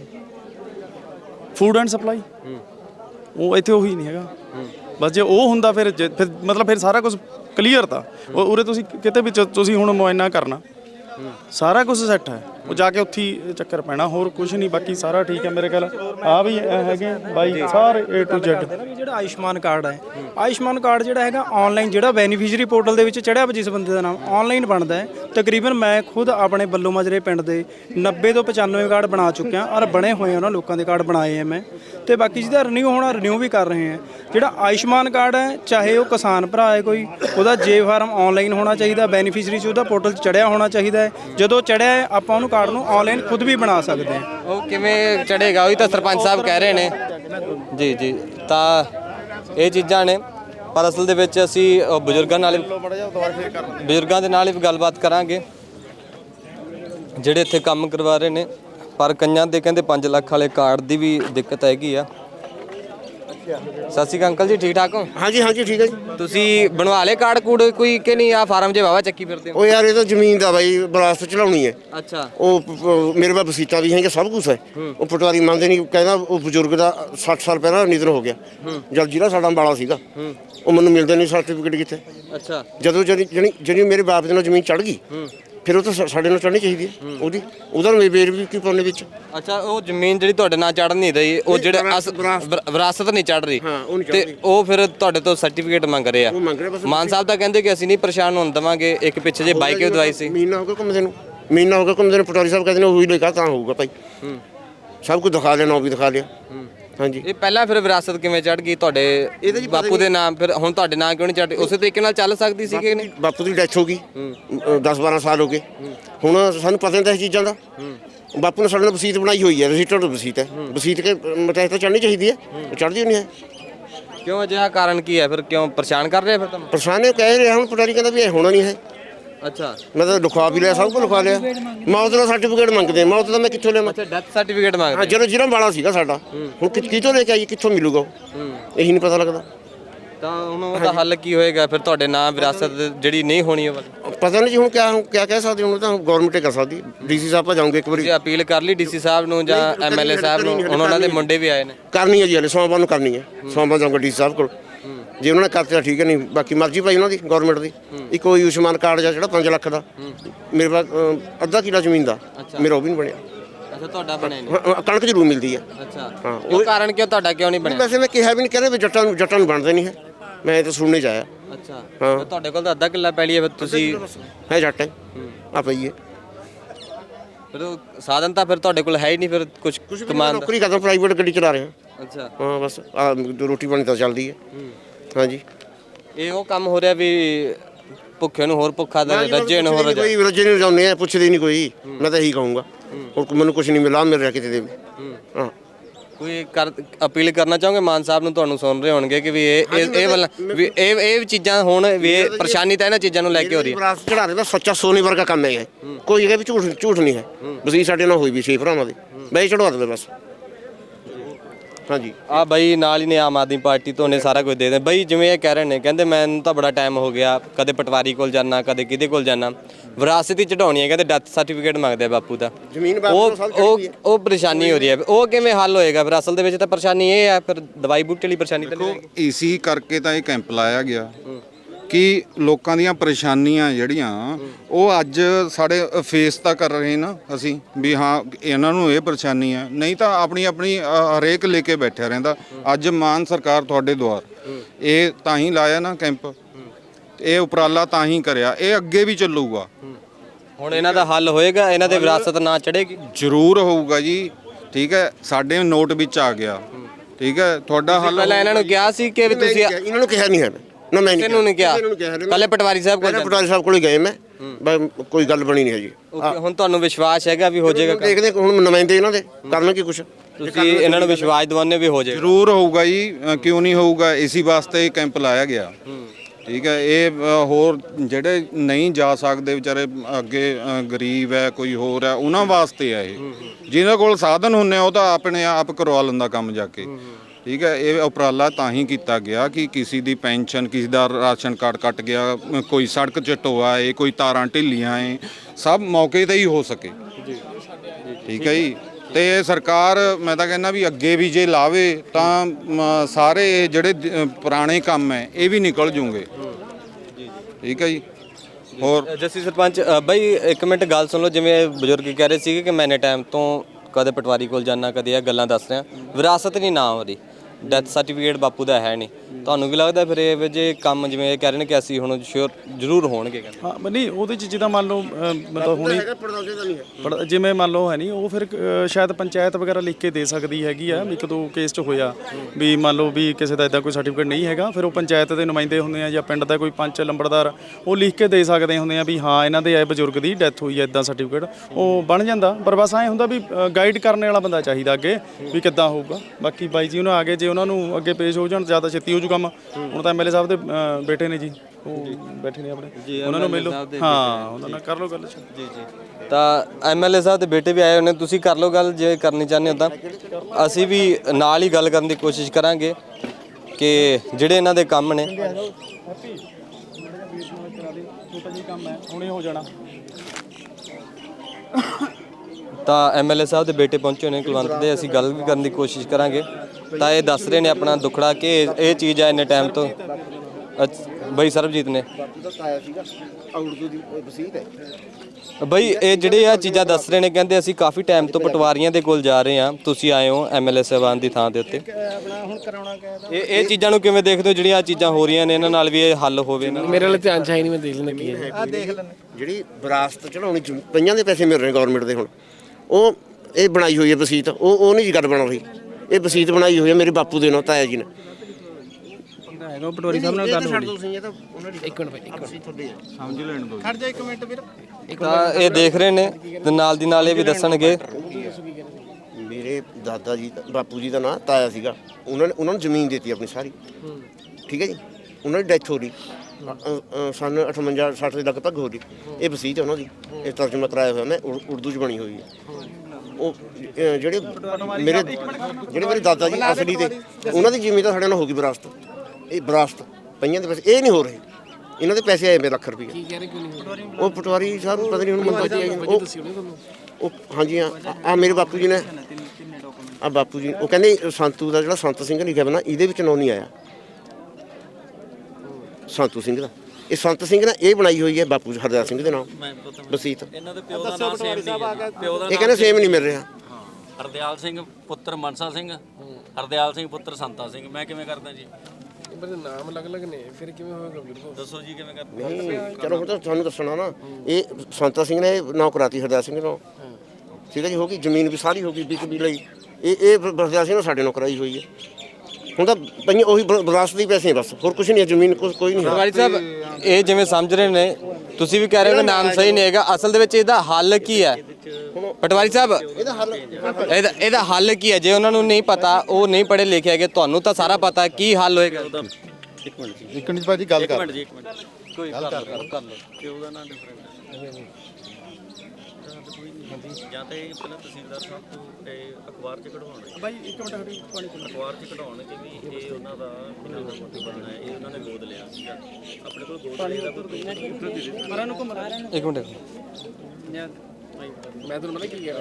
S4: ਫੂਡ ਐਂਡ ਸਪਲਾਈ, ਉਹ ਇੱਥੇ ਉਹੀ ਨਹੀਂ ਹੈਗਾ। ਬਸ ਜੇ ਉਹ ਹੁੰਦਾ ਫਿਰ ਮਤਲਬ ਫਿਰ ਸਾਰਾ ਕੁਝ ਕਲੀਅਰ ਤਾਂ ਉਰੇ ਤੁਸੀਂ ਕਿਤੇ ਵੀ ਤੁਸੀਂ ਹੁਣ ਮੁਆਇਨਾ ਕਰਨਾ, ਸਾਰਾ ਕੁਝ ਸੈੱਟ ਹੈ, ਉਹ ਜਾ ਕੇ ਉੱਥੇ ਹੀ ਚੱਕਰ ਪੈਣਾ, ਹੋਰ ਕੁਝ ਨਹੀਂ। ਬਾਕੀ ਸਾਰਾ ਠੀਕ ਹੈ ਮੇਰੇ ਖਿਆਲ। ਆ ਵੀ ਹੈਗੇ ਬਾਈ ਸਾਰੇ A to Z।
S5: ਜਿਹੜਾ ਆਯੁਸ਼ਮਾਨ ਕਾਰਡ ਹੈ, ਆਯੁਸ਼ਮਾਨ ਕਾਰਡ ਜਿਹੜਾ ਹੈਗਾ ਆਨਲਾਈਨ, ਜਿਹੜਾ ਬੈਨੀਫੀਸ਼ਰੀ ਪੋਰਟਲ ਦੇ ਵਿੱਚ ਚੜਿਆ ਜਿਸ ਬੰਦੇ ਦਾ ਨਾਮ ਆਨਲਾਈਨ ਬਣਦਾ ਹੈ। ਤਕਰੀਬਨ ਮੈਂ ਖੁਦ ਆਪਣੇ ਬੱਲੂ ਮਾਜਰੇ ਪਿੰਡ ਦੇ 90 ਤੋਂ 95 ਕਾਰਡ ਬਣਾ ਚੁੱਕਿਆ, ਔਰ ਬਣੇ ਹੋਏ ਉਹਨਾਂ ਲੋਕਾਂ ਦੇ ਕਾਰਡ ਬਣਾਏ ਆ ਮੈਂ, ਤੇ ਬਾਕੀ ਜਿਹਦਾ ਰਿਨਿਊ ਹੋਣਾ ਰਿਨਿਊ ਵੀ ਕਰ ਰਹੇ ਆ। ਜਿਹੜਾ ਆਯੁਸ਼ਮਾਨ ਕਾਰਡ ਹੈ, ਚਾਹੇ ਉਹ ਕਿਸਾਨ ਭਰਾ ਹੈ ਕੋਈ, ਉਹਦਾ ਜੇ ਫਾਰਮ ਆਨਲਾਈਨ ਹੋਣਾ ਚਾਹੀਦਾ, ਬੈਨੀਫੀਸ਼ਰੀ 'ਚ ਉਹਦਾ ਪੋਰਟਲ 'ਚ ਚੜਿਆ ਹੋਣਾ ਚਾਹੀਦਾ ਹੈ। ਜਦੋਂ ਚੜਿਆ ਆਪਾਂ ਉਹਨੂੰ ਕਾਰਡ ਨੂੰ ਆਨਲਾਈਨ ਖੁਦ ਵੀ ਬਣਾ ਸਕਦੇ ਹਾਂ।
S1: ਉਹ ਕਿਵੇਂ ਚੜੇਗਾ? ਉਹੀ ਤਾਂ ਸਰਪੰਚ ਸਾਹਿਬ ਕਹਿ ਰਹੇ ਨੇ। ਜੀ ਤਾਂ ਇਹ ਚੀਜ਼ਾਂ ਨੇ, ਪਰ ਅਸਲ ਦੇ ਵਿੱਚ ਅਸੀਂ ਬਜ਼ੁਰਗਾਂ ਦੇ ਨਾਲ ਵੀ ਗੱਲਬਾਤ ਕਰਾਂਗੇ ਜਿਹੜੇ ਇੱਥੇ ਕੰਮ ਕਰਵਾ ਰਹੇ ਨੇ। ਪਰ ਕਈਆਂ ਦੇ ਕਹਿੰਦੇ 5 ਲੱਖ ਵਾਲੇ ਕਾਰਡ ਦੀ ਵੀ ਦਿੱਕਤ ਹੈਗੀ ਆ। ਸਤਿ ਸ਼੍ਰੀ ਅਕਾਲ ਅੰਕਲ ਜੀ, ਠੀਕ ਠਾਕ ਹੋ?
S3: ਹਾਂਜੀ ਹਾਂਜੀ ਠੀਕ ਹੈ ਜੀ।
S1: ਤੁਸੀਂ ਬਣਵਾ ਲਏ ਕਾਰਡ ਕੂਡ ਕੋਈ ਕਿ ਨਹੀਂ? ਆ ਫਾਰਮ ਜੇ ਵਾਵਾ ਚੱਕੀ ਫਿਰਦੇ ਹੋ?
S3: ਉਹ ਯਾਰ ਇਹ ਤਾਂ ਜ਼ਮੀਨ ਦਾ ਬਾਈ ਵਿਰਾਸਤ ਚਲਾਉਣੀ ਹੈ।
S1: ਅੱਛਾ।
S3: ਉਹ ਮੇਰੇ ਕੋਲ ਵਸੀਤਾ ਵੀ ਹੈਗਾ, ਸਭ ਕੁਝ ਹੈ। ਉਹ ਪਟਵਾਰੀ ਮੰਨਦੇ ਨਹੀਂ, ਕਹਿੰਦਾ ਉਹ ਬਜ਼ੁਰਗ ਦਾ 60 ਸਾਲ ਪਹਿਲਾਂ ਨਿਧਨ ਹੋ ਗਿਆ, ਜਦ ਜਿਹੜਾ ਸਾਡਾ ਅੰਬਾਲਾ ਸੀਗਾ ਉਹ ਮੈਨੂੰ ਮਿਲਦੇ ਨਹੀਂ ਸਰਟੀਫਿਕੇਟ ਕਿੱਥੇ। ਅੱਛਾ। ਜਦੋਂ ਜਿਹੜੀ ਮੇਰੇ ਬਾਪ ਦੇ ਨਾਲ ਜ਼ਮੀਨ ਚੜ ਗਈ ਫਿਰ ਉਹ ਤਾਂ ਸਾਡੇ ਨਾਲ ਚੜ੍ਹਨੀ ਚਾਹੀਦੀ ਹੈ, ਉਹਦਾ ਵੇਰ ਵੀ ਕੀ ਪਾਉਣੇ ਵਿੱਚ।
S1: ਅੱਛਾ, ਉਹ ਜ਼ਮੀਨ ਜਿਹੜੀ ਤੁਹਾਡੇ ਨਾਲ ਚੜ੍ਹ ਨਹੀਂ ਰਹੀ, ਉਹ ਜਿਹੜੇ ਵਿਰਾਸਤ ਨਹੀਂ ਚੜ੍ਹ ਰਹੀ, ਤੇ ਉਹ ਫਿਰ ਤੁਹਾਡੇ ਤੋਂ ਸਰਟੀਫਿਕੇਟ ਮੰਗ ਰਹੇ ਆ। ਮਾਨ ਸਾਹਿਬ ਤਾਂ ਕਹਿੰਦੇ ਕਿ ਅਸੀਂ ਨਹੀਂ ਪਰੇਸ਼ਾਨ ਹੋਣ ਦੇਵਾਂਗੇ। ਇੱਕ ਪਿੱਛੇ ਜੇ ਬਾਈਕ ਵੀ ਦਵਾਈ ਸੀ,
S3: ਮਹੀਨਾ ਹੋ ਗਿਆ ਘੁੰਮਦੇ ਨੂੰ, ਪਟਵਾਰੀ ਸਾਹਿਬ ਕਹਿੰਦੇ ਨੇ ਉਹੀ ਲਿਖਾ ਤਾਂ ਹੋਊਗਾ ਭਾਈ, ਸਭ ਕੁਝ ਦਿਖਾ ਲਿਆ, ਨਾ ਵੀ ਦਿਖਾ ਲਿਆ, ਹਾਂਜੀ
S1: ਇਹ ਪਹਿਲਾਂ ਫਿਰ ਵਿਰਾਸਤ ਕਿਵੇਂ ਚੜ ਗਈ ਤੁਹਾਡੇ ਬਾਪੂ ਦੇ ਨਾਮ, ਫਿਰ ਹੁਣ ਤੁਹਾਡੇ ਨਾਮ ਕਿਉਂ ਨਹੀਂ ਚੜ੍ਹ? ਉਸੇ ਤਰੀਕੇ ਨਾਲ ਚੱਲ ਸਕਦੀ ਸੀ ਕਿ ਨਹੀਂ?
S3: ਬਾਪੂ ਦੀ ਡੈਥ ਹੋ ਗਈ 10-12 ਸਾਲ ਹੋ ਗਏ, ਹੁਣ ਸਾਨੂੰ ਪਤਾ ਨਹੀਂ ਤਾਂ ਇਹ ਚੀਜ਼ਾਂ ਦਾ। ਬਾਪੂ ਨੇ ਸਾਡੇ ਨਾਲ ਵਸੀਅਤ ਬਣਾਈ ਹੋਈ ਹੈ, ਵਸੀਅਤ ਤੋਂ ਵਸੀਅਤ ਹੈ, ਵਸੀਅਤ ਕੇ ਮਟਾਈ ਤਾਂ ਚੜ੍ਹਨੀ ਚਾਹੀਦੀ ਹੈ, ਚੜ੍ਹਦੀ ਨਹੀਂ ਹੈ।
S1: ਕਿਉਂ ਅਜਿਹਾ ਕਾਰਨ ਕੀ ਹੈ ਫਿਰ? ਕਿਉਂ ਪਰੇਸ਼ਾਨ ਕਰ ਰਿਹਾ ਫਿਰ ਤੁਹਾਨੂੰ?
S3: ਪਰੇਸ਼ਾਨ ਇਹ ਕਹਿ ਰਿਹਾ, ਹੁਣ ਪਟਾਰੀ ਕਹਿੰਦਾ ਵੀ ਇਹ ਹੋਣਾ ਨਹੀਂ ਹੈ।
S1: ਅੱਛਾ,
S3: ਮੈਂ ਤਾਂ ਲਿਖਵਾ ਵੀ ਲਿਆ, ਸਭ ਕੁਝ ਲਿਖਵਾ ਲਿਆ। ਮੌਤ ਦਾ ਸਰਟੀਫਿਕੇਟ ਮੰਗਦੇ, ਮੌਤ ਦਾ ਮੈਂ ਕਿੱਥੋਂ ਲਿਆਵਾਂ?
S1: ਅੱਛਾ, ਡੈਥ ਸਰਟੀਫਿਕੇਟ ਮੰਗਦੇ?
S3: ਹਾਂ, ਜਦੋਂ ਜਿਰਮ ਵਾਲਾ ਸੀਗਾ ਸਾਡਾ, ਹੁਣ ਕਿੱਥੋਂ ਲੈ ਕੇ ਆਈਏ, ਕਿੱਥੋਂ ਮਿਲੂਗਾ? ਇਹੀ ਨਹੀਂ ਪਤਾ ਲੱਗਦਾ।
S1: ਤਾਂ ਹੁਣ ਉਹਦਾ ਹੱਲ ਕੀ ਹੋਏਗਾ ਫਿਰ? ਤੁਹਾਡੇ ਨਾਮ ਵਿਰਾਸਤ ਜਿਹੜੀ ਨਹੀਂ ਹੋਣੀ ਉਹ ਵਾਲੀ
S3: ਪਤਾ ਨਹੀਂ ਜੀ, ਹੁਣ ਕਿਆ ਕਹਿ ਸਕਦੇ, ਹੁਣ ਤਾਂ ਗਵਰਨਮੈਂਟ ਹੀ ਕਰ ਸਕਦੀ। ਡੀਸੀ ਸਾਹਿਬ ਪਾ ਜਾਉਂਗੇ ਇੱਕ ਵਾਰੀ।
S1: ਤੁਸੀਂ ਅਪੀਲ ਕਰ ਲਈ ਡੀਸੀ ਸਾਹਿਬ ਨੂੰ ਜਾਂ ਐਮਐਲਏ ਸਾਹਿਬ ਨੂੰ? ਹੁਣ ਉਹਨਾਂ ਦੇ ਮੁੰਡੇ ਵੀ ਆਏ ਨੇ।
S3: ਕਰਨੀ ਹੈ ਜੀ, ਹਲੇ ਸੋਮਵਾਰ ਨੂੰ ਕਰਨੀ ਹੈ। ਸੋਮਵਾਰ ਜਾਊਂਗਾ ਡੀਸੀ ਸਾਹਿਬ ਕੋਲ, ਜੇ ਉਹਨਾਂ ਨੇ ਕਰਤਾ ਠੀਕ ਹੈ, ਨਹੀਂ ਬਾਕੀ ਮਰਜ਼ੀ ਭਾਈ ਉਹਨਾਂ ਦੀ, ਗਵਰਨਮੈਂਟ ਦੀ। ਇੱਕ ਕੋਈ ਆਯੁਸ਼ਮਾਨ ਕਾਰਡ ਜਿਹੜਾ 5 ਲੱਖ ਦਾ, ਮੇਰੇ ਪਾਸ ਅੱਧਾ ਕਿੱਲਾ ਜ਼ਮੀਨ ਦਾ, ਮੇਰਾ ਉਹ ਵੀ ਨਹੀਂ ਬਣਿਆ।
S1: ਅੱਛਾ, ਤੁਹਾਡਾ ਬਣਿਆ ਨਹੀਂ?
S3: ਕਣਕ ਜ਼ਰੂਰ ਮਿਲਦੀ ਹੈ।
S1: ਅੱਛਾ,
S3: ਹਾਂ,
S1: ਉਹ ਕਾਰਨ ਕਿਉਂ ਤੁਹਾਡਾ ਕਿਉਂ ਨਹੀਂ ਬਣਿਆ?
S3: ਵੈਸੇ ਮੈਂ ਕਿਹਾ ਵੀ ਨਹੀਂ, ਕਹਿੰਦੇ ਵੀ ਜੱਟਾਂ ਨੂੰ ਬਣਦੇ ਨਹੀਂ ਹੈ, ਮੈਂ ਤਾਂ ਸੁਣਨੇ 'ਚ ਆਇਆ।
S1: ਅੱਛਾ,
S3: ਹਾਂ,
S1: ਤੁਹਾਡੇ ਕੋਲ ਤਾਂ ਅੱਧਾ ਕਿੱਲਾ ਪੈਲੀ ਹੈ, ਫਿਰ ਤੁਸੀਂ
S3: ਹੈ ਜੱਟ ਹੈ ਆ ਪਈਏ।
S1: ਫਿਰ ਸਾਧਨ ਤਾਂ ਫਿਰ ਤੁਹਾਡੇ ਕੋਲ ਹੈ ਹੀ ਨਹੀਂ, ਫਿਰ ਕੁਝ ਕਮਾਨ ਦਾ।
S3: ਨੌਕਰੀ ਕਰਦਾ, ਪ੍ਰਾਈਵੇਟ ਗੱਡੀ ਚਲਾ ਰਿਹਾ।
S1: ਅੱਛਾ,
S3: ਹਾਂ, ਬਸ ਰੋਟੀ ਪਾਣੀ ਤਾਂ ਚੱਲਦੀ ਹੈ। ਹਾਂਜੀ,
S1: ਇਹ ਉਹ ਕੰਮ ਹੋ ਰਿਹਾ ਵੀ ਭੁੱਖੇ ਨੂੰ ਹੋਰ ਭੁੱਖਾ ਤੇ ਰੱਜੇ ਨੂੰ ਹੋਰ ਰੱਜਾ।
S3: ਕੋਈ ਰੱਜੇ ਨਹੀਂ ਜਾਂਦੇ ਆ, ਪੁੱਛਦੇ ਨਹੀਂ ਕੋਈ। ਮੈਂ ਤਾਂ ਇਹੀ ਕਹੂੰਗਾ, ਹੋਰ ਮੈਨੂੰ ਕੁਝ ਨਹੀਂ ਮਿਲਾ, ਮਿਲ ਰਿਹਾ ਕਿਤੇ ਦੇ ਵੀ। ਹਾਂ,
S1: ਕੋਈ ਅਪੀਲ ਕਰਨਾ ਚਾਹੋਗੇ ਮਾਨ ਸਾਹਿਬ ਨੂੰ? ਤੁਹਾਨੂੰ ਸੁਣ ਰਹੇ ਹੋਣਗੇ ਕਿ ਵੀ ਇਹ ਵਾਲਾ ਵੀ ਇਹ ਚੀਜ਼ਾਂ ਹੁਣ ਵੀ ਇਹ ਪਰੇਸ਼ਾਨੀ ਤਾਂ ਇਹਨਾਂ ਚੀਜ਼ਾਂ ਨੂੰ ਲੈ ਕੇ ਹੋ ਰਹੀ ਹੈ।
S3: ਵਿਰਾਸਤ ਚੜਾਣੇ ਦਾ ਸੱਚਾ ਸੋਨੇ ਵਰਗਾ ਕੰਮ ਹੈ। ਕੋਈ ਹੈਗਾ ਵੀ ਝੂਠ ਨਹੀਂ ਹੈ। ਵਸੀਅਤ ਸਾਡੇ ਨਾਲ ਹੋਈ ਵੀ 6 ਭਰਾਵਾਂ ਦੇ, ਮੈਂ ਚੜਵਾ ਦੇਵੇ ਬਸ। ਹਾਂਜੀ,
S1: ਆ ਬਾਈ ਨਾਲ ਹੀ ਨੇ ਆਮ ਆਦਮੀ ਪਾਰਟੀ ਤੋਂ ਨੇ, ਸਾਰਾ ਕੁਝ ਦੇ ਦੇ ਬਾਈ। ਜਿਵੇਂ ਇਹ ਕਹਿ ਰਹੇ ਨੇ, ਕਹਿੰਦੇ ਮੈਨੂੰ ਤਾਂ ਬੜਾ ਟਾਈਮ ਹੋ ਗਿਆ, ਕਦੇ ਪਟਵਾਰੀ ਕੋਲ ਜਾਣਾ, ਕਦੇ ਕਿਹਦੇ ਕੋਲ ਜਾਣਾ, ਵਿਰਾਸਤ ਹੀ ਚੜਾਉਣੀ ਹੈ। ਕਹਿੰਦੇ ਡੈਥ ਸਰਟੀਫਿਕੇਟ ਮੰਗਦੇ ਆ ਬਾਪੂ ਦਾ।
S3: ਜ਼ਮੀਨ
S1: ਉਹ ਪਰੇਸ਼ਾਨੀ ਹੋ ਰਹੀ ਹੈ, ਉਹ ਕਿਵੇਂ ਹੱਲ ਹੋਏਗਾ? ਫਿਰ ਅਸਲ ਦੇ ਵਿੱਚ ਤਾਂ ਪਰੇਸ਼ਾਨੀ ਇਹ ਹੈ, ਫਿਰ ਦਵਾਈ ਬੂਟੀ ਵਾਲੀ ਪਰੇਸ਼ਾਨੀ ਤਾਂ ਨਹੀਂ ਹੈਗੀ।
S12: ਇਸੀ ਕਰਕੇ ਤਾਂ ਇਹ ਕੈਂਪ ਲਾਇਆ ਗਿਆ ਕਿ ਲੋਕਾਂ ਦੀਆਂ ਪਰੇਸ਼ਾਨੀਆਂ ਜਿਹੜੀਆਂ ਉਹ ਅੱਜ ਸਾਡੇ ਫੇਸ ਤਾਂ ਕਰ ਰਹੇ ਨਾ ਅਸੀਂ, ਵੀ ਹਾਂ ਇਹਨਾਂ ਨੂੰ ਇਹ ਪਰੇਸ਼ਾਨੀ ਹੈ। ਨਹੀਂ ਤਾਂ ਆਪਣੀ ਹਰੇਕ ਲੈ ਕੇ ਬੈਠਿਆ ਰਹਿੰਦਾ। ਅੱਜ ਮਾਨ ਸਰਕਾਰ ਤੁਹਾਡੇ ਦੁਆਰ ਇਹ ਤਾਂ ਹੀ ਲਾਇਆ ਨਾ ਕੈਂਪ, ਇਹ ਉਪਰਾਲਾ ਤਾਂ ਹੀ ਕਰਿਆ, ਇਹ ਅੱਗੇ ਵੀ ਚੱਲੂਗਾ।
S1: ਹੁਣ ਇਹਨਾਂ ਦਾ ਹੱਲ ਹੋਏਗਾ? ਇਹਨਾਂ ਦੇ ਵਿਰਾਸਤ ਨਾ ਚੜੇਗੀ?
S12: ਜ਼ਰੂਰ ਹੋਊਗਾ ਜੀ, ਠੀਕ ਹੈ। ਸਾਡੇ ਨੋਟ ਵਿੱਚ ਆ ਗਿਆ, ਠੀਕ ਹੈ। ਤੁਹਾਡਾ ਹੱਲ
S1: ਪਹਿਲਾਂ ਇਹਨਾਂ ਨੂੰ ਕਿਹਾ ਸੀ ਕਿ ਵੀ ਤੁਸੀਂ?
S3: ਇਹਨਾਂ ਨੂੰ ਕਿਹਾ ਨਹੀਂ ਹੈ ਨਾ, ਮੈਂ
S1: ਨਹੀਂ ਕਿਹਾ। ਪਹਿਲੇ ਪਟਵਾਰੀ ਸਾਹਿਬ ਕੋਲ?
S3: ਪਟਵਾਰੀ ਸਾਹਿਬ ਕੋਲ ਗਏ ਮੈਂ, ਕੋਈ ਗੱਲ ਬਣੀ ਨਹੀਂ ਹੈ ਜੀ।
S1: ਹੁਣ ਤੁਹਾਨੂੰ ਵਿਸ਼ਵਾਸ ਹੈਗਾ ਵੀ ਹੋ ਜਾਏਗਾ?
S3: ਦੇਖਦੇ ਹੁਣ ਨੁਮਾਇੰਦੇ ਇਹਨਾਂ ਦੇ ਕਰਨ ਕੀ ਕੁਛ,
S1: ਤੁਸੀਂ ਇਹਨਾਂ ਨੂੰ ਵਿਸ਼ਵਾਸ ਦਿਵਾਉਂਦੇ ਵੀ ਹੋ ਜਾਏਗਾ?
S12: ਜ਼ਰੂਰ ਹੋਊਗਾ ਜੀ, ਕਿਉਂ ਨਹੀਂ ਹੋਊਗਾ। ਇਸੇ ਵਾਸਤੇ ਇਹ ਕੈਂਪ ਲਾਇਆ ਗਿਆ, ਠੀਕ ਹੈ। ਇਹ ਹੋਰ ਜਿਹੜੇ ਨਹੀਂ ਜਾ ਸਕਦੇ ਵਿਚਾਰੇ, ਅੱਗੇ ਗਰੀਬ ਹੈ, ਕੋਈ ਹੋਰ ਹੈ, ਉਹਨਾਂ ਵਾਸਤੇ ਹੈ ਇਹ। ਜਿਹਨਾਂ ਕੋਲ ਸਾਧਨ ਹੁੰਦੇ ਆ ਉਹ ਤਾਂ ਆਪਣੇ ਆਪ ਕਰਵਾ ਲੈਂਦਾ ਕੰਮ ਜਾ ਕੇ, ਠੀਕ ਹੈ। ਇਹ ਉਪਰਾਲਾ ਤਾਂ ਹੀ ਕੀਤਾ ਗਿਆ ਕਿ ਕਿਸੇ ਦੀ ਪੈਨਸ਼ਨ, ਕਿਸੇ ਦਾ ਰਾਸ਼ਨ ਕਾਰਡ ਕੱਟ ਗਿਆ, ਕੋਈ ਸੜਕ 'ਚ ਟੋਆ ਏ, ਕੋਈ ਤਾਰਾਂ ਢਿੱਲੀਆਂ ਏ, ਸਭ ਮੌਕੇ 'ਤੇ ਹੀ ਹੋ ਸਕੇ, ਠੀਕ ਹੈ ਜੀ। ਤੇ ਸਰਕਾਰ ਮੈਂ ਤਾਂ ਕਹਿੰਦਾ ਵੀ ਅੱਗੇ ਵੀ ਜੇ ਲਾਵੇ ਤਾਂ ਸਾਰੇ ਜਿਹੜੇ ਪੁਰਾਣੇ ਕੰਮ ਹੈ ਇਹ ਵੀ ਨਿਕਲ ਜੂਗੇ, ਠੀਕ ਹੈ ਜੀ। ਹੋਰ
S1: ਜੱਸੀ ਸਰਪੰਚ ਬਾਈ ਇੱਕ ਮਿੰਟ ਗੱਲ ਸੁਣ ਲਓ। ਜਿਵੇਂ ਬਜ਼ੁਰਗ ਕਹਿ ਰਹੇ ਸੀਗੇ ਕਿ ਮੈਂ ਇੰਨੇ ਟਾਈਮ ਤੋਂ ਕਦੇ ਪਟਵਾਰੀ ਕੋਲ ਜਾਣਾ, ਕਦੇ ਇਹ ਗੱਲਾਂ ਦੱਸ ਰਿਹਾ, ਵਿਰਾਸਤ ਨਹੀਂ ਨਾ ਹੋ ਰਹੀ, ਡੈਥ ਸਰਟੀਫਿਕੇਟ ਬਾਪੂ ਦਾ ਹੈ ਨਹੀਂ। ਤੁਹਾਨੂੰ ਕੀ ਲੱਗਦਾ ਫਿਰ ਇਹ ਜੇ ਕੰਮ ਜਿਵੇਂ ਇਹ ਕਹਿ ਰਹੇ ਨੇ ਕਿ ਅਸੀਂ ਹੁਣ ਸ਼ੋਰ ਜ਼ਰੂਰ ਹੋਣਗੇ?
S5: ਹਾਂ, ਨਹੀਂ ਉਹਦੇ 'ਚ ਜਿੱਦਾਂ ਮੰਨ ਲਓ ਮਤਲਬ ਹੁਣੀ ਜਿਵੇਂ ਮੰਨ ਲਓ ਹੈ ਨਹੀਂ, ਉਹ ਫਿਰ ਸ਼ਾਇਦ ਪੰਚਾਇਤ ਵਗੈਰਾ ਲਿਖ ਕੇ ਦੇ ਸਕਦੀ ਹੈਗੀ ਆ। ਇੱਕ ਦੋ ਕੇਸ 'ਚ ਹੋਇਆ ਵੀ ਮੰਨ ਲਓ ਵੀ ਕਿਸੇ ਦਾ ਇੱਦਾਂ ਕੋਈ ਸਰਟੀਫਿਕੇਟ ਨਹੀਂ ਹੈਗਾ, ਫਿਰ ਉਹ ਪੰਚਾਇਤ ਦੇ ਨੁਮਾਇੰਦੇ ਹੁੰਦੇ ਆ ਜਾਂ ਪਿੰਡ ਦਾ ਕੋਈ ਪੰਚ ਲੰਬੜਦਾਰ, ਉਹ ਲਿਖ ਕੇ ਦੇ ਸਕਦੇ ਹੁੰਦੇ ਆ ਵੀ ਹਾਂ ਇਹਨਾਂ ਦੇ ਇਹ ਬਜ਼ੁਰਗ ਦੀ ਡੈਥ ਹੋਈ ਹੈ, ਇੱਦਾਂ ਸਰਟੀਫਿਕੇਟ ਉਹ ਬਣ ਜਾਂਦਾ। ਪਰ ਬਸ ਐਂ ਹੁੰਦਾ ਵੀ ਗਾਈਡ ਕਰਨ ਵਾਲਾ ਬੰਦਾ ਚਾਹੀਦਾ ਅੱਗੇ ਵੀ ਕਿੱਦਾਂ ਹੋਊਗਾ। ਬਾਕੀ ਬਾਈ ਜੀ ਉਹਨਾਂ ਆ ਗਏ, ਜੇ ਉਹਨਾਂ ਨੂੰ ਅੱਗੇ ਪੇਸ਼ ਹੋ ਜਾਣ ਜ਼ਿਆਦਾ ਛੇਤੀ ਹੋ ਜੂ ਕੰਮ। ਹੁਣ ਤਾਂ ਐਮਐਲਏ ਸਾਹਿਬ ਦੇ ਬੇਟੇ ਨੇ ਜੀ, ਉਹ ਬੈਠੇ ਨੇ ਆਪਣੇ, ਉਹਨਾਂ ਨੂੰ ਮਿਲੋ, ਹਾਂ ਉਹਨਾਂ ਨਾਲ ਕਰ ਲਓ ਗੱਲ।
S1: ਜੀ ਜੀ, ਤਾਂ ਐਮਐਲਏ ਸਾਹਿਬ ਦੇ ਬੇਟੇ ਵੀ ਆਏ ਹੋਣੇ, ਤੁਸੀਂ ਕਰ ਲਓ ਗੱਲ ਜੇ ਕਰਨੀ ਚਾਹੁੰਦੇ ਹੋ ਤਾਂ। ਅਸੀਂ ਵੀ ਨਾਲ ਹੀ ਗੱਲ ਕਰਨ ਦੀ ਕੋਸ਼ਿਸ਼ ਕਰਾਂਗੇ ਕਿ ਜਿਹੜੇ ਇਹਨਾਂ ਦੇ ਕੰਮ ਨੇ। ਤਾਂ ਐਮਐਲਏ ਸਾਹਿਬ ਦੇ ਬੇਟੇ ਪਹੁੰਚੇ ਹੋਣੇ ਕੁਲਵੰਤ ਦੇ, ਅਸੀਂ ਗੱਲ ਵੀ ਕਰਨ ਦੀ ਕੋਸ਼ਿਸ਼ ਕਰਾਂਗੇ। ਤਾਂ ਇਹ ਦੱਸ ਰਹੇ ਨੇ ਆਪਣਾ ਦੁੱਖੜਾ ਕਿ ਇਹ ਚੀਜ਼ ਆ ਇੰਨੇ ਟਾਈਮ ਤੋਂ। ਬਈ ਸਰਬਜੀਤ ਨੇ ਬਈ ਇਹ ਜਿਹੜੇ ਆ ਚੀਜ਼ਾਂ ਦੱਸ ਰਹੇ ਨੇ, ਕਹਿੰਦੇ ਅਸੀਂ ਕਾਫੀ ਟਾਈਮ ਤੋਂ ਪਟਵਾਰੀਆਂ ਦੇ ਕੋਲ ਜਾ ਰਹੇ ਹਾਂ, ਤੁਸੀਂ ਆਏ ਹੋ ਐਮਐਲਏ ਸਾਹਿਬਾਨ ਦੀ ਥਾਂ ਦੇ ਉੱਤੇ। ਇਹ ਚੀਜ਼ਾਂ ਨੂੰ ਕਿਵੇਂ ਦੇਖਦੇ ਹੋ ਜਿਹੜੀਆਂ ਚੀਜ਼ਾਂ ਹੋ ਰਹੀਆਂ ਨੇ, ਇਹਨਾਂ ਨਾਲ ਵੀ ਇਹ ਹੱਲ ਹੋਵੇ?
S2: ਮੇਰੇ ਵਾਲੇ ਧਿਆਨ ਚ ਹੈ ਨਹੀਂ, ਮੈਂ ਦੇਖ ਲੈਣਾ ਕੀ ਹੈ।
S3: ਜਿਹੜੀ ਵਿਰਾਸਤ ਚੜਾਉਣੀ ਪਈਆਂ ਦੇ ਪੈਸੇ ਮਿਲ ਰਹੇ ਗਵਰਨਮੈਂਟ ਦੇ, ਹੁਣ ਉਹ ਇਹ ਬਣਾਈ ਹੋਈ ਹੈ ਵਸੀਅਤ, ਉਹ ਨਹੀਂ ਜੀ ਗੱਲ ਬਣ ਰਹੀ। ਇਹ ਵਸੀਅਤ ਬਣਾਈ ਹੋਈ ਹੈ ਮੇਰੇ ਬਾਪੂ ਦੇ ਨਾਂ ਤਾਇਆ ਜੀ ਨੇ।
S5: ਹੈਗਾ ਪਟਵਾਰੀ ਸਾਹਿਬ ਨਾਲ ਗੱਲ ਹੋ ਰਹੀ।
S2: ਇੱਕ ਮਿੰਟ ਭਾਈ
S4: ਸਮਝ ਲੈਣ ਦੋ।
S5: ਖੜ ਜਾ ਇੱਕ ਮਿੰਟ ਵੀਰ।
S1: ਤਾਂ ਇਹ ਦੇਖ ਰਹੇ ਨੇ ਤੇ ਨਾਲ ਦੀ ਨਾਲ ਇਹ ਵੀ ਦੱਸਣਗੇ।
S3: ਮੇਰੇ ਦਾਦਾ ਜੀ ਬਾਪੂ ਜੀ ਦਾ ਨਾਂ ਤਾਇਆ ਸੀਗਾ, ਉਹਨਾਂ ਨੂੰ ਜ਼ਮੀਨ ਦਿੱਤੀ ਆਪਣੀ ਸਾਰੀ, ਠੀਕ ਹੈ ਜੀ। ਉਹਨਾਂ ਦੀ ਡੈਥ ਹੋ ਗਈ ਸਨ 58 60 ਦੇ ਲਗਭਗ ਹੋ ਗਈ। ਇਹ ਵਸੀਅਤ ਹੈ ਉਹਨਾਂ ਦੀ, ਇਹ ਤਰਜਮਾ ਕਰਾਇਆ ਹੋਇਆ ਮੈਂ ਉਰਦੂ 'ਚ ਬਣੀ ਹੋਈ ਹੈ। ਉਹ ਜਿਹੜੇ ਮੇਰੇ ਦਾਦਾ ਜੀ ਅਸਲੀ ਤੇ ਉਹਨਾਂ ਦੀ ਜ਼ਮੀਨ ਤਾਂ ਸਾਡੇ ਨਾਲ ਹੋ ਗਈ ਵਿਰਾਸਤ। ਇਹ ਵਿਰਾਸਤ ਪਈਆਂ ਦੇ ਪੈਸੇ ਇਹ ਨਹੀਂ ਹੋ ਰਹੇ, ਇਹਨਾਂ ਦੇ ਪੈਸੇ ਆਏ ਮੇਰੇ ਲੱਖ ਰੁਪਏ।
S2: ਕੀ ਕਹਿ ਰਹੇ ਕਿਉਂ ਨਹੀਂ ਹੋ ਰਹੇ?
S3: ਉਹ ਪਟਵਾਰੀ ਸਾਹਿਬ ਪਤਾ ਨਹੀਂ ਹੁਣ ਮੰਦਾ ਜੀ ਉਹ ਹਾਂਜੀ ਆ ਮੇਰੇ ਬਾਪੂ ਜੀ ਨੇ ਆ ਬਾਪੂ ਜੀ ਉਹ ਕਹਿੰਦੇ ਸੰਤੂ ਦਾ ਜਿਹੜਾ ਸੰਤ ਸਿੰਘ ਲਿਖਿਆ ਬਣਾ ਇਹਦੇ ਵਿੱਚ ਨਾਂ ਨਹੀਂ ਆਇਆ ਸੰਤੂ ਸਿੰਘ ਦਾ। ਇਹ ਸੰਤ ਸਿੰਘ ਨੇ ਇਹ ਬਣਾਈ ਹੋਈ ਹੈ ਬਾਪੂ ਹਰਦਿਆਲ ਸਿੰਘ ਦੇ ਨਾਮ ਵਸੀਅਤ।
S14: ਇਹਨਾਂ ਦੇ ਪਿਓ ਦਾ ਨਾਮ ਸੇਮ ਨਹੀਂ ਹੈ। ਪਿਓ ਦਾ
S3: ਇਹ ਕਹਿੰਦੇ ਸੇਮ ਨਹੀਂ ਮਿਲ ਰਿਹਾ।
S14: ਹਰਦਿਆਲ ਸਿੰਘ ਪੁੱਤਰ ਮਨਸਾ ਸਿੰਘ, ਹਰਦਿਆਲ ਸਿੰਘ ਪੁੱਤਰ ਸੰਤਾ ਸਿੰਘ। ਮੈਂ ਕਿਵੇਂ ਕਰਦਾ ਜੀ?
S2: ਬੜੇ ਨਾਮ ਅਲੱਗ-ਅਲੱਗ ਨੇ, ਫਿਰ ਕਿਵੇਂ ਹੋਏਗਾ ਵੀਰ?
S14: ਦੱਸੋ ਜੀ ਕਿਵੇਂ ਕਰਦੇ?
S3: ਨਹੀਂ ਚਲੋ ਹੁਣ ਤਾਂ ਤੁਹਾਨੂੰ ਦੱਸਣਾ ਨਾ। ਇਹ ਸੰਤਾ ਸਿੰਘ ਨੇ ਨਾਂ ਕਰਾਤੀ ਹਰਦਿਆਲ ਸਿੰਘ ਨੂੰ, ਠੀਕ ਹੈ ਜੀ। ਹੋ ਗਈ ਜ਼ਮੀਨ ਵੀ ਸਾਰੀ ਹੋ ਗਈ ਵਿਕ ਵੀ ਲਈ। ਇਹ ਹਰਦਿਆਲ ਸਿੰਘ ਨੇ ਸਾਡੇ ਨਾਲ ਕਰਾਈ ਹੋਈ ਹੈ। ਹੁਣ ਤਾਂ ਪਈਆਂ ਉਹੀ ਵਿਰਾਸਤ ਦੀ ਪੈਸੇ ਬਸ, ਹੋਰ ਕੁਝ ਨਹੀਂ ਹੈ। ਜ਼ਮੀਨ ਕੋਈ ਨਹੀਂ ਹੈ।
S1: ਪਟਵਾਰੀ ਸਾਹਿਬ ਇਹ ਜਿਵੇਂ ਸਮਝ ਰਹੇ ਨੇ, ਤੁਸੀਂ ਵੀ ਕਹਿ ਰਹੇ ਹੋ ਕਿ ਨਾਮ ਸਹੀ ਨਹੀਂ ਹੈਗਾ, ਅਸਲ ਦੇ ਵਿੱਚ ਇਹਦਾ ਹੱਲ ਕੀ ਹੈ? ਪਟਵਾਰੀ ਸਾਹਿਬ ਇਹਦਾ ਹੱਲ ਕੀ ਹੈ? ਜੇ ਉਹਨਾਂ ਨੂੰ ਨਹੀਂ ਪਤਾ, ਉਹ ਨਹੀਂ ਪੜ੍ਹੇ ਲਿਖੇ ਹੈਗੇ, ਤੁਹਾਨੂੰ ਤਾਂ ਸਾਰਾ ਪਤਾ, ਕੀ ਹੱਲ ਹੋਏਗਾ?
S13: ਇੱਕ ਮਿੰਟ ਭਾਜੀ ਗੱਲ ਕਰ।
S14: ਕੋਈ ਗੱਲ ਕਰ ਲਓ ਕਿ ਉਹਦਾ ਨਾਮ ਡਿਫਰੈਂਟ ਜਾਂ ਤਾਂ ਇਹ ਪਹਿਲਾਂ ਤਹਿਸੀਲਦਾਰ ਸਾਹਿਬ ਤੋਂ ਅਖਬਾਰ 'ਚ ਕਢਵਾਉਣਾ ਬਾਈ। ਇੱਕ ਮਿੰਟ ਅਖਬਾਰ 'ਚ ਕਢਵਾਉਣ ਕਿ ਵੀ ਇਹ ਉਹਨਾਂ ਦਾ ਬਿਨਾਂ ਦਾ ਮੋਤੀ ਬਣਨਾ ਹੈ, ਇਹ ਉਹਨਾਂ ਨੇ ਗੋਦ ਲਿਆ ਸੀਗਾ। ਆਪਣੇ ਕੋਲ ਗੋਦ ਲਿਆ ਦਾ ਕੋਈ
S1: ਇੱਕ ਮਿੰਟ
S2: ਮੈਂ ਤੁਹਾਨੂੰ ਪਤਾ ਕੀ ਕਹਿ ਰਿਹਾ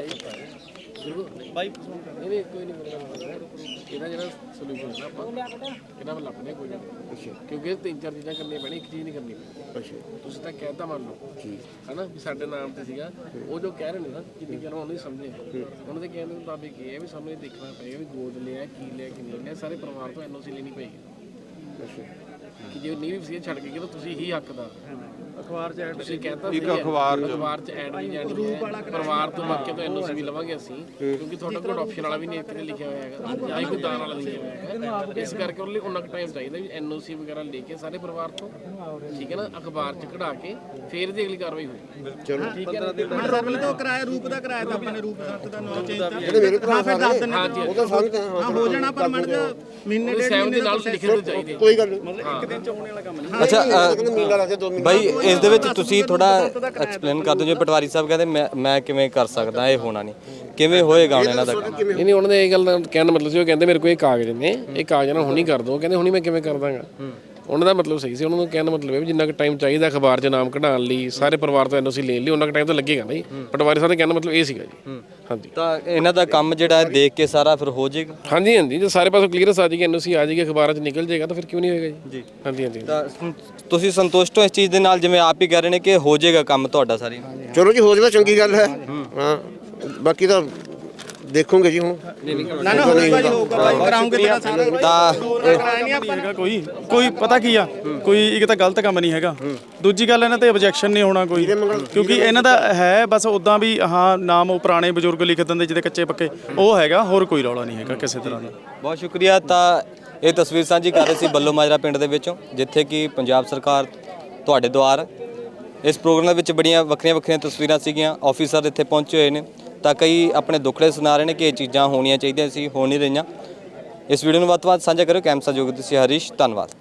S2: ਜੀ ਬਾਈ? ਨਹੀਂ ਕੋਈ ਨਹੀਂ ਇਹਦਾ ਜਿਹੜਾ ਸੋਲੂਸ਼ਨ ਹੈ ਆਪਾਂ ਇਹਨਾਂ ਵੱਲ ਲੱਭਦੇ ਕੋਈ ਨਹੀਂ, ਕਿਉਂਕਿ ਤਿੰਨ ਚਾਰ ਚੀਜ਼ਾਂ ਕਰਨੀਆਂ ਪੈਣੀਆਂ, ਇੱਕ ਚੀਜ਼ ਨਹੀਂ ਕਰਨੀ ਪੈਣੀ। ਤੁਸੀਂ ਤਾਂ ਕਹਿਤਾ ਮੰਨ ਲਓ ਹਨਾ ਵੀ ਸਾਡੇ ਨਾਮ ਤੇ ਸੀਗਾ। ਉਹ ਜੋ ਕਹਿ ਰਹੇ ਨੇ ਨਾ ਜਿੰਨੀ ਗੱਲ ਉਹਨੂੰ ਸਮਝੇ, ਉਹਨਾਂ ਦੇ ਕਹਿਣ ਦੇ ਮੁਤਾਬਿਕ ਇਹ ਹੈ ਵੀ ਸਾਨੂੰ ਇਹ ਦੇਖਣਾ ਪਏਗਾ ਵੀ ਗੋਦ ਲਿਆ ਕੀ ਲਿਆ ਕਿ ਨਹੀਂ ਲਿਆ। ਸਾਰੇ ਪਰਿਵਾਰ ਤੋਂ ਐਨਓਸੀ ਲੈਣੀ ਪਏਗੀ ਕਿ ਜੇ ਨਹੀਂ ਵੀ ਵਸੀਅਤ ਛੱਡ ਕੇ ਤਾਂ ਤੁਸੀਂ ਹੀ ਹੱਕਦਾਰ। ਅਖਬਾਰ 'ਚ ਐਡ ਤੁਸੀਂ ਕਹਿਤਾ ਸੀ, ਅਖਬਾਰ 'ਚ ਐਡ ਵੀ ਜਾਣੀ ਹੈ। ਪਰਿਵਾਰ ਤੋਂ ਬਾਕੀ ਤੋਂ ਐਨਓਸੀ ਵੀ ਲਵਾਂਗੇ ਅਸੀਂ, ਕਿਉਂਕਿ ਤੁਹਾਡਾ ਕੋਈ ਆਪਸ਼ਨ ਵਾਲਾ ਵੀ ਨਹੀਂ ਇੱਥੇ ਲਿਖਿਆ ਹੋਇਆ ਹੈਗਾ, ਜਾਂ ਕੋਈ ਦਾਨ ਵਾਲਾ ਲਿਖਿਆ ਹੋਇਆ ਹੈਗਾ। ਇਸ ਕਰਕੇ ਉਹਦੇ ਲਈ ਉਹਨਾਂ ਕੁ ਟਾਈਮ ਚਾਹੀਦਾ ਵੀ ਐਨਓਸੀ ਵਗੈਰਾ ਲੈ ਕੇ ਸਾਰੇ ਪਰਿਵਾਰ ਤੋਂ, ਠੀਕ ਹੈ ਨਾ, ਅਖਬਾਰ 'ਚ ਕਢਾ ਕੇ ਫਿਰ ਦੀ ਅਗਲੀ ਕਾਰਵਾਈ ਹੋਈ। ਚਲੋ ਠੀਕ ਹੈ।
S5: ਤੋਂ ਕਿਰਾਇਆ ਰੂਪ ਦਾ ਕਿਰਾਇਆ ਤਾਂ ਆਪਾਂ ਨੇ ਰੂਪ ਸੰਤ ਦਾ ਨਾਮ ਚੇਂਜ ਤਾਂ
S3: ਜਿਹੜੇ ਮੇਰੇ ਭਰਾ
S5: ਫਿਰ ਦੱਸ ਦਿੰਦੇ
S3: ਹਾਂਜੀ ਉਹ ਤਾਂ ਸਮਝਦੇ ਹਾਂ
S5: ਹੋ ਜਾਣਾ, ਪਰ ਮੜ ਜਾ ਮਹੀਨੇ ਡੇਢ
S2: ਸਹਿਮਤੀ
S5: ਮਹੀਨੇ
S2: ਨਾਲ ਲਿਖੇ ਤੋਂ ਚਾਹੀਦੇ।
S3: ਕੋਈ ਗੱਲ ਨਹੀਂ।
S5: ਇੱਕ ਦਿਨ ਚ ਹੋਣੇ ਵਾਲਾ ਕੰਮ ਨਹੀਂ।
S1: ਅੱਛਾ
S3: ਮਹੀਨਾ ਲੱਗੇ 2 ਮਹੀਨੇ
S1: ਬਾਈ ਇਸ ਦੇ ਵਿੱਚ ਤੁਸੀਂ ਥੋੜਾ ਐਕਸਪਲੇਨ ਕਰ ਦਿਓ। ਜੇ ਪਟਵਾਰੀ ਸਾਹਿਬ ਕਹਿੰਦੇ ਮੈਂ ਕਿਵੇਂ ਕਰ ਸਕਦਾ, ਇਹ ਹੋਣਾ ਨਹੀਂ, ਕਿਵੇਂ ਹੋਏਗਾ ਹੁਣ ਇਹਨਾਂ ਦਾ ਕੰਮ?
S2: ਨਹੀਂ ਉਹਨਾਂ ਦੇ ਇਹ ਗੱਲ ਦਾ ਕਹਿਣ ਦਾ ਮਤਲਬ ਸੀ, ਉਹ ਕਹਿੰਦੇ ਮੇਰੇ ਕੋਲ ਇਹ ਕਾਗਜ਼ ਨੇ, ਇਹ ਕਾਗਜ਼ਾਂ ਨਾਲ ਹੁਣੀ ਕਰ ਦੋ। ਕਹਿੰਦੇ ਹੁਣੀ ਮੈਂ ਕਿਵੇਂ ਕਰ ਦਾਂਗਾ? ਉਹਨਾਂ ਦਾ ਮਤਲਬ ਸਹੀ ਸੀ। ਉਹਨਾਂ ਨੂੰ ਕਹਿਣ ਦਾ ਮਤਲਬ ਹੈ ਵੀ ਜਿੰਨਾ ਕੁ ਟਾਈਮ ਚਾਹੀਦਾ ਅਖਬਾਰ 'ਚ ਨਾਮ ਕਢਾਉਣ ਲਈ, ਸਾਰੇ ਪਰਿਵਾਰ ਤੋਂ ਐਨਓਸੀ ਲੈਣ ਲਈ, ਉਹਨਾਂ ਕੁ ਟਾਈਮ ਤਾਂ ਲੱਗੇਗਾ ਨਾ ਜੀ। ਪਟਵਾਰੀ ਸਾਹਿਬ ਦਾ ਕਹਿਣ ਦਾ ਮਤਲਬ ਇਹ ਸੀਗਾ ਜੀ। ਹਾਂਜੀ
S1: ਤਾਂ ਇਹਨਾਂ ਦਾ ਕੰਮ ਜਿਹੜਾ ਹੈ ਦੇਖ ਕੇ ਸਾਰਾ ਫਿਰ ਹੋ ਜਾਏਗਾ।
S2: ਹਾਂਜੀ ਜੇ ਸਾਰੇ ਪਾਸੇ ਕਲੀਅਰੈਂਸ ਆ ਜਾਏਗੀ, ਐਨਓਸੀ ਆ ਜਾਏਗੀ, ਅਖਬਾਰਾਂ 'ਚ ਨਿਕਲ ਜਾਏਗਾ, ਤਾਂ ਫਿਰ ਕਿਉਂ ਨਹੀਂ ਹੋਏਗਾ ਜੀ? ਹਾਂਜੀ
S1: ਤਾਂ ਤੁਸੀਂ ਸੰਤੁਸ਼ਟ ਹੋ ਇਸ ਚੀਜ਼ ਦੇ ਨਾਲ, ਜਿਵੇਂ ਆਪ ਹੀ ਕਹਿ ਰਹੇ ਨੇ ਕਿ ਹੋ ਜਾਏਗਾ ਕੰਮ ਤੁਹਾਡਾ ਸਾਰੀ?
S3: ਚਲੋ ਜੀ ਹੋ ਜਾਵੇ, ਚੰਗੀ ਗੱਲ ਹੈ। ਹਾਂ ਬਾਕੀ ਤਾਂ ਦੇਖੋਗੇ ਜੀ ਹੁਣ।
S5: ਨਾ ਹੋਊਗਾ ਜੀ, ਹੋਊਗਾ ਬਾਈ, ਕਰਾਉਂਗੇ ਤੇਰਾ ਸਾਰਾ
S4: ਤਾਂ ਕੋਈ ਪਤਾ ਕੀ ਆ, ਕੋਈ ਇੱਕ ਤਾਂ ਗਲਤ ਕੰਮ ਨਹੀਂ ਹੈਗਾ, ਦੂਜੀ ਗੱਲ ਇਹਨਾਂ ਤੇ ਆਬਜੈਕਸ਼ਨ ਨਹੀਂ ਹੋਣਾ ਕੋਈ, ਕਿਉਂਕਿ ਇਹਨਾਂ ਦਾ ਹੈ ਬਸ ਉਦਾਂ ਵੀ ਹਾਂ ਨਾਮ ਉਹ ਪੁਰਾਣੇ ਬਜ਼ੁਰਗ ਲਿਖ ਦਿੰਦੇ ਜਿਹਦੇ ਕੱਚੇ ਪੱਕੇ, ਉਹ ਹੈਗਾ, ਹੋਰ ਕੋਈ ਰੌਲਾ ਨਹੀਂ ਹੈਗਾ ਕਿਸੇ ਤਰ੍ਹਾਂ ਦਾ।
S1: ਬਹੁਤ ਸ਼ੁਕਰੀਆ। ਤਾਂ ਇਹ ਤਸਵੀਰ ਸਾਂਝੀ ਕਰ ਰਹੇ ਸੀ ਬੱਲੋ ਮਾਜਰਾ ਪਿੰਡ ਦੇ ਵਿੱਚੋਂ, ਜਿੱਥੇ ਕਿ ਪੰਜਾਬ ਸਰਕਾਰ ਤੁਹਾਡੇ ਦੁਆਰ ਇਸ ਪ੍ਰੋਗਰਾਮ ਦੇ ਵਿੱਚ ਬੜੀਆਂ ਵੱਖਰੀਆਂ ਤਸਵੀਰਾਂ ਸੀਗੀਆਂ। ਆਫੀਸਰ ਇੱਥੇ ਪਹੁੰਚੇ ਹੋਏ ਨੇ, ਤਾਂ ਕਈ ਆਪਣੇ ਦੁੱਖੜੇ ਸੁਣਾ ਰਹੇ ਨੇ ਕਿ ਇਹ ਚੀਜ਼ਾਂ ਹੋਣੀਆਂ ਚਾਹੀਦੀਆਂ ਸੀ, ਹੋ ਨਹੀਂ ਰਹੀਆਂ। ਇਸ ਵੀਡੀਓ ਨੂੰ ਵੱਧ ਤੋਂ ਵੱਧ ਸਾਂਝਾ ਕਰੋ। ਕੈਮਰਾ ਸਹਿਯੋਗੀ ਤੁਸੀਂ ਹਰੀਸ਼, ਧੰਨਵਾਦ।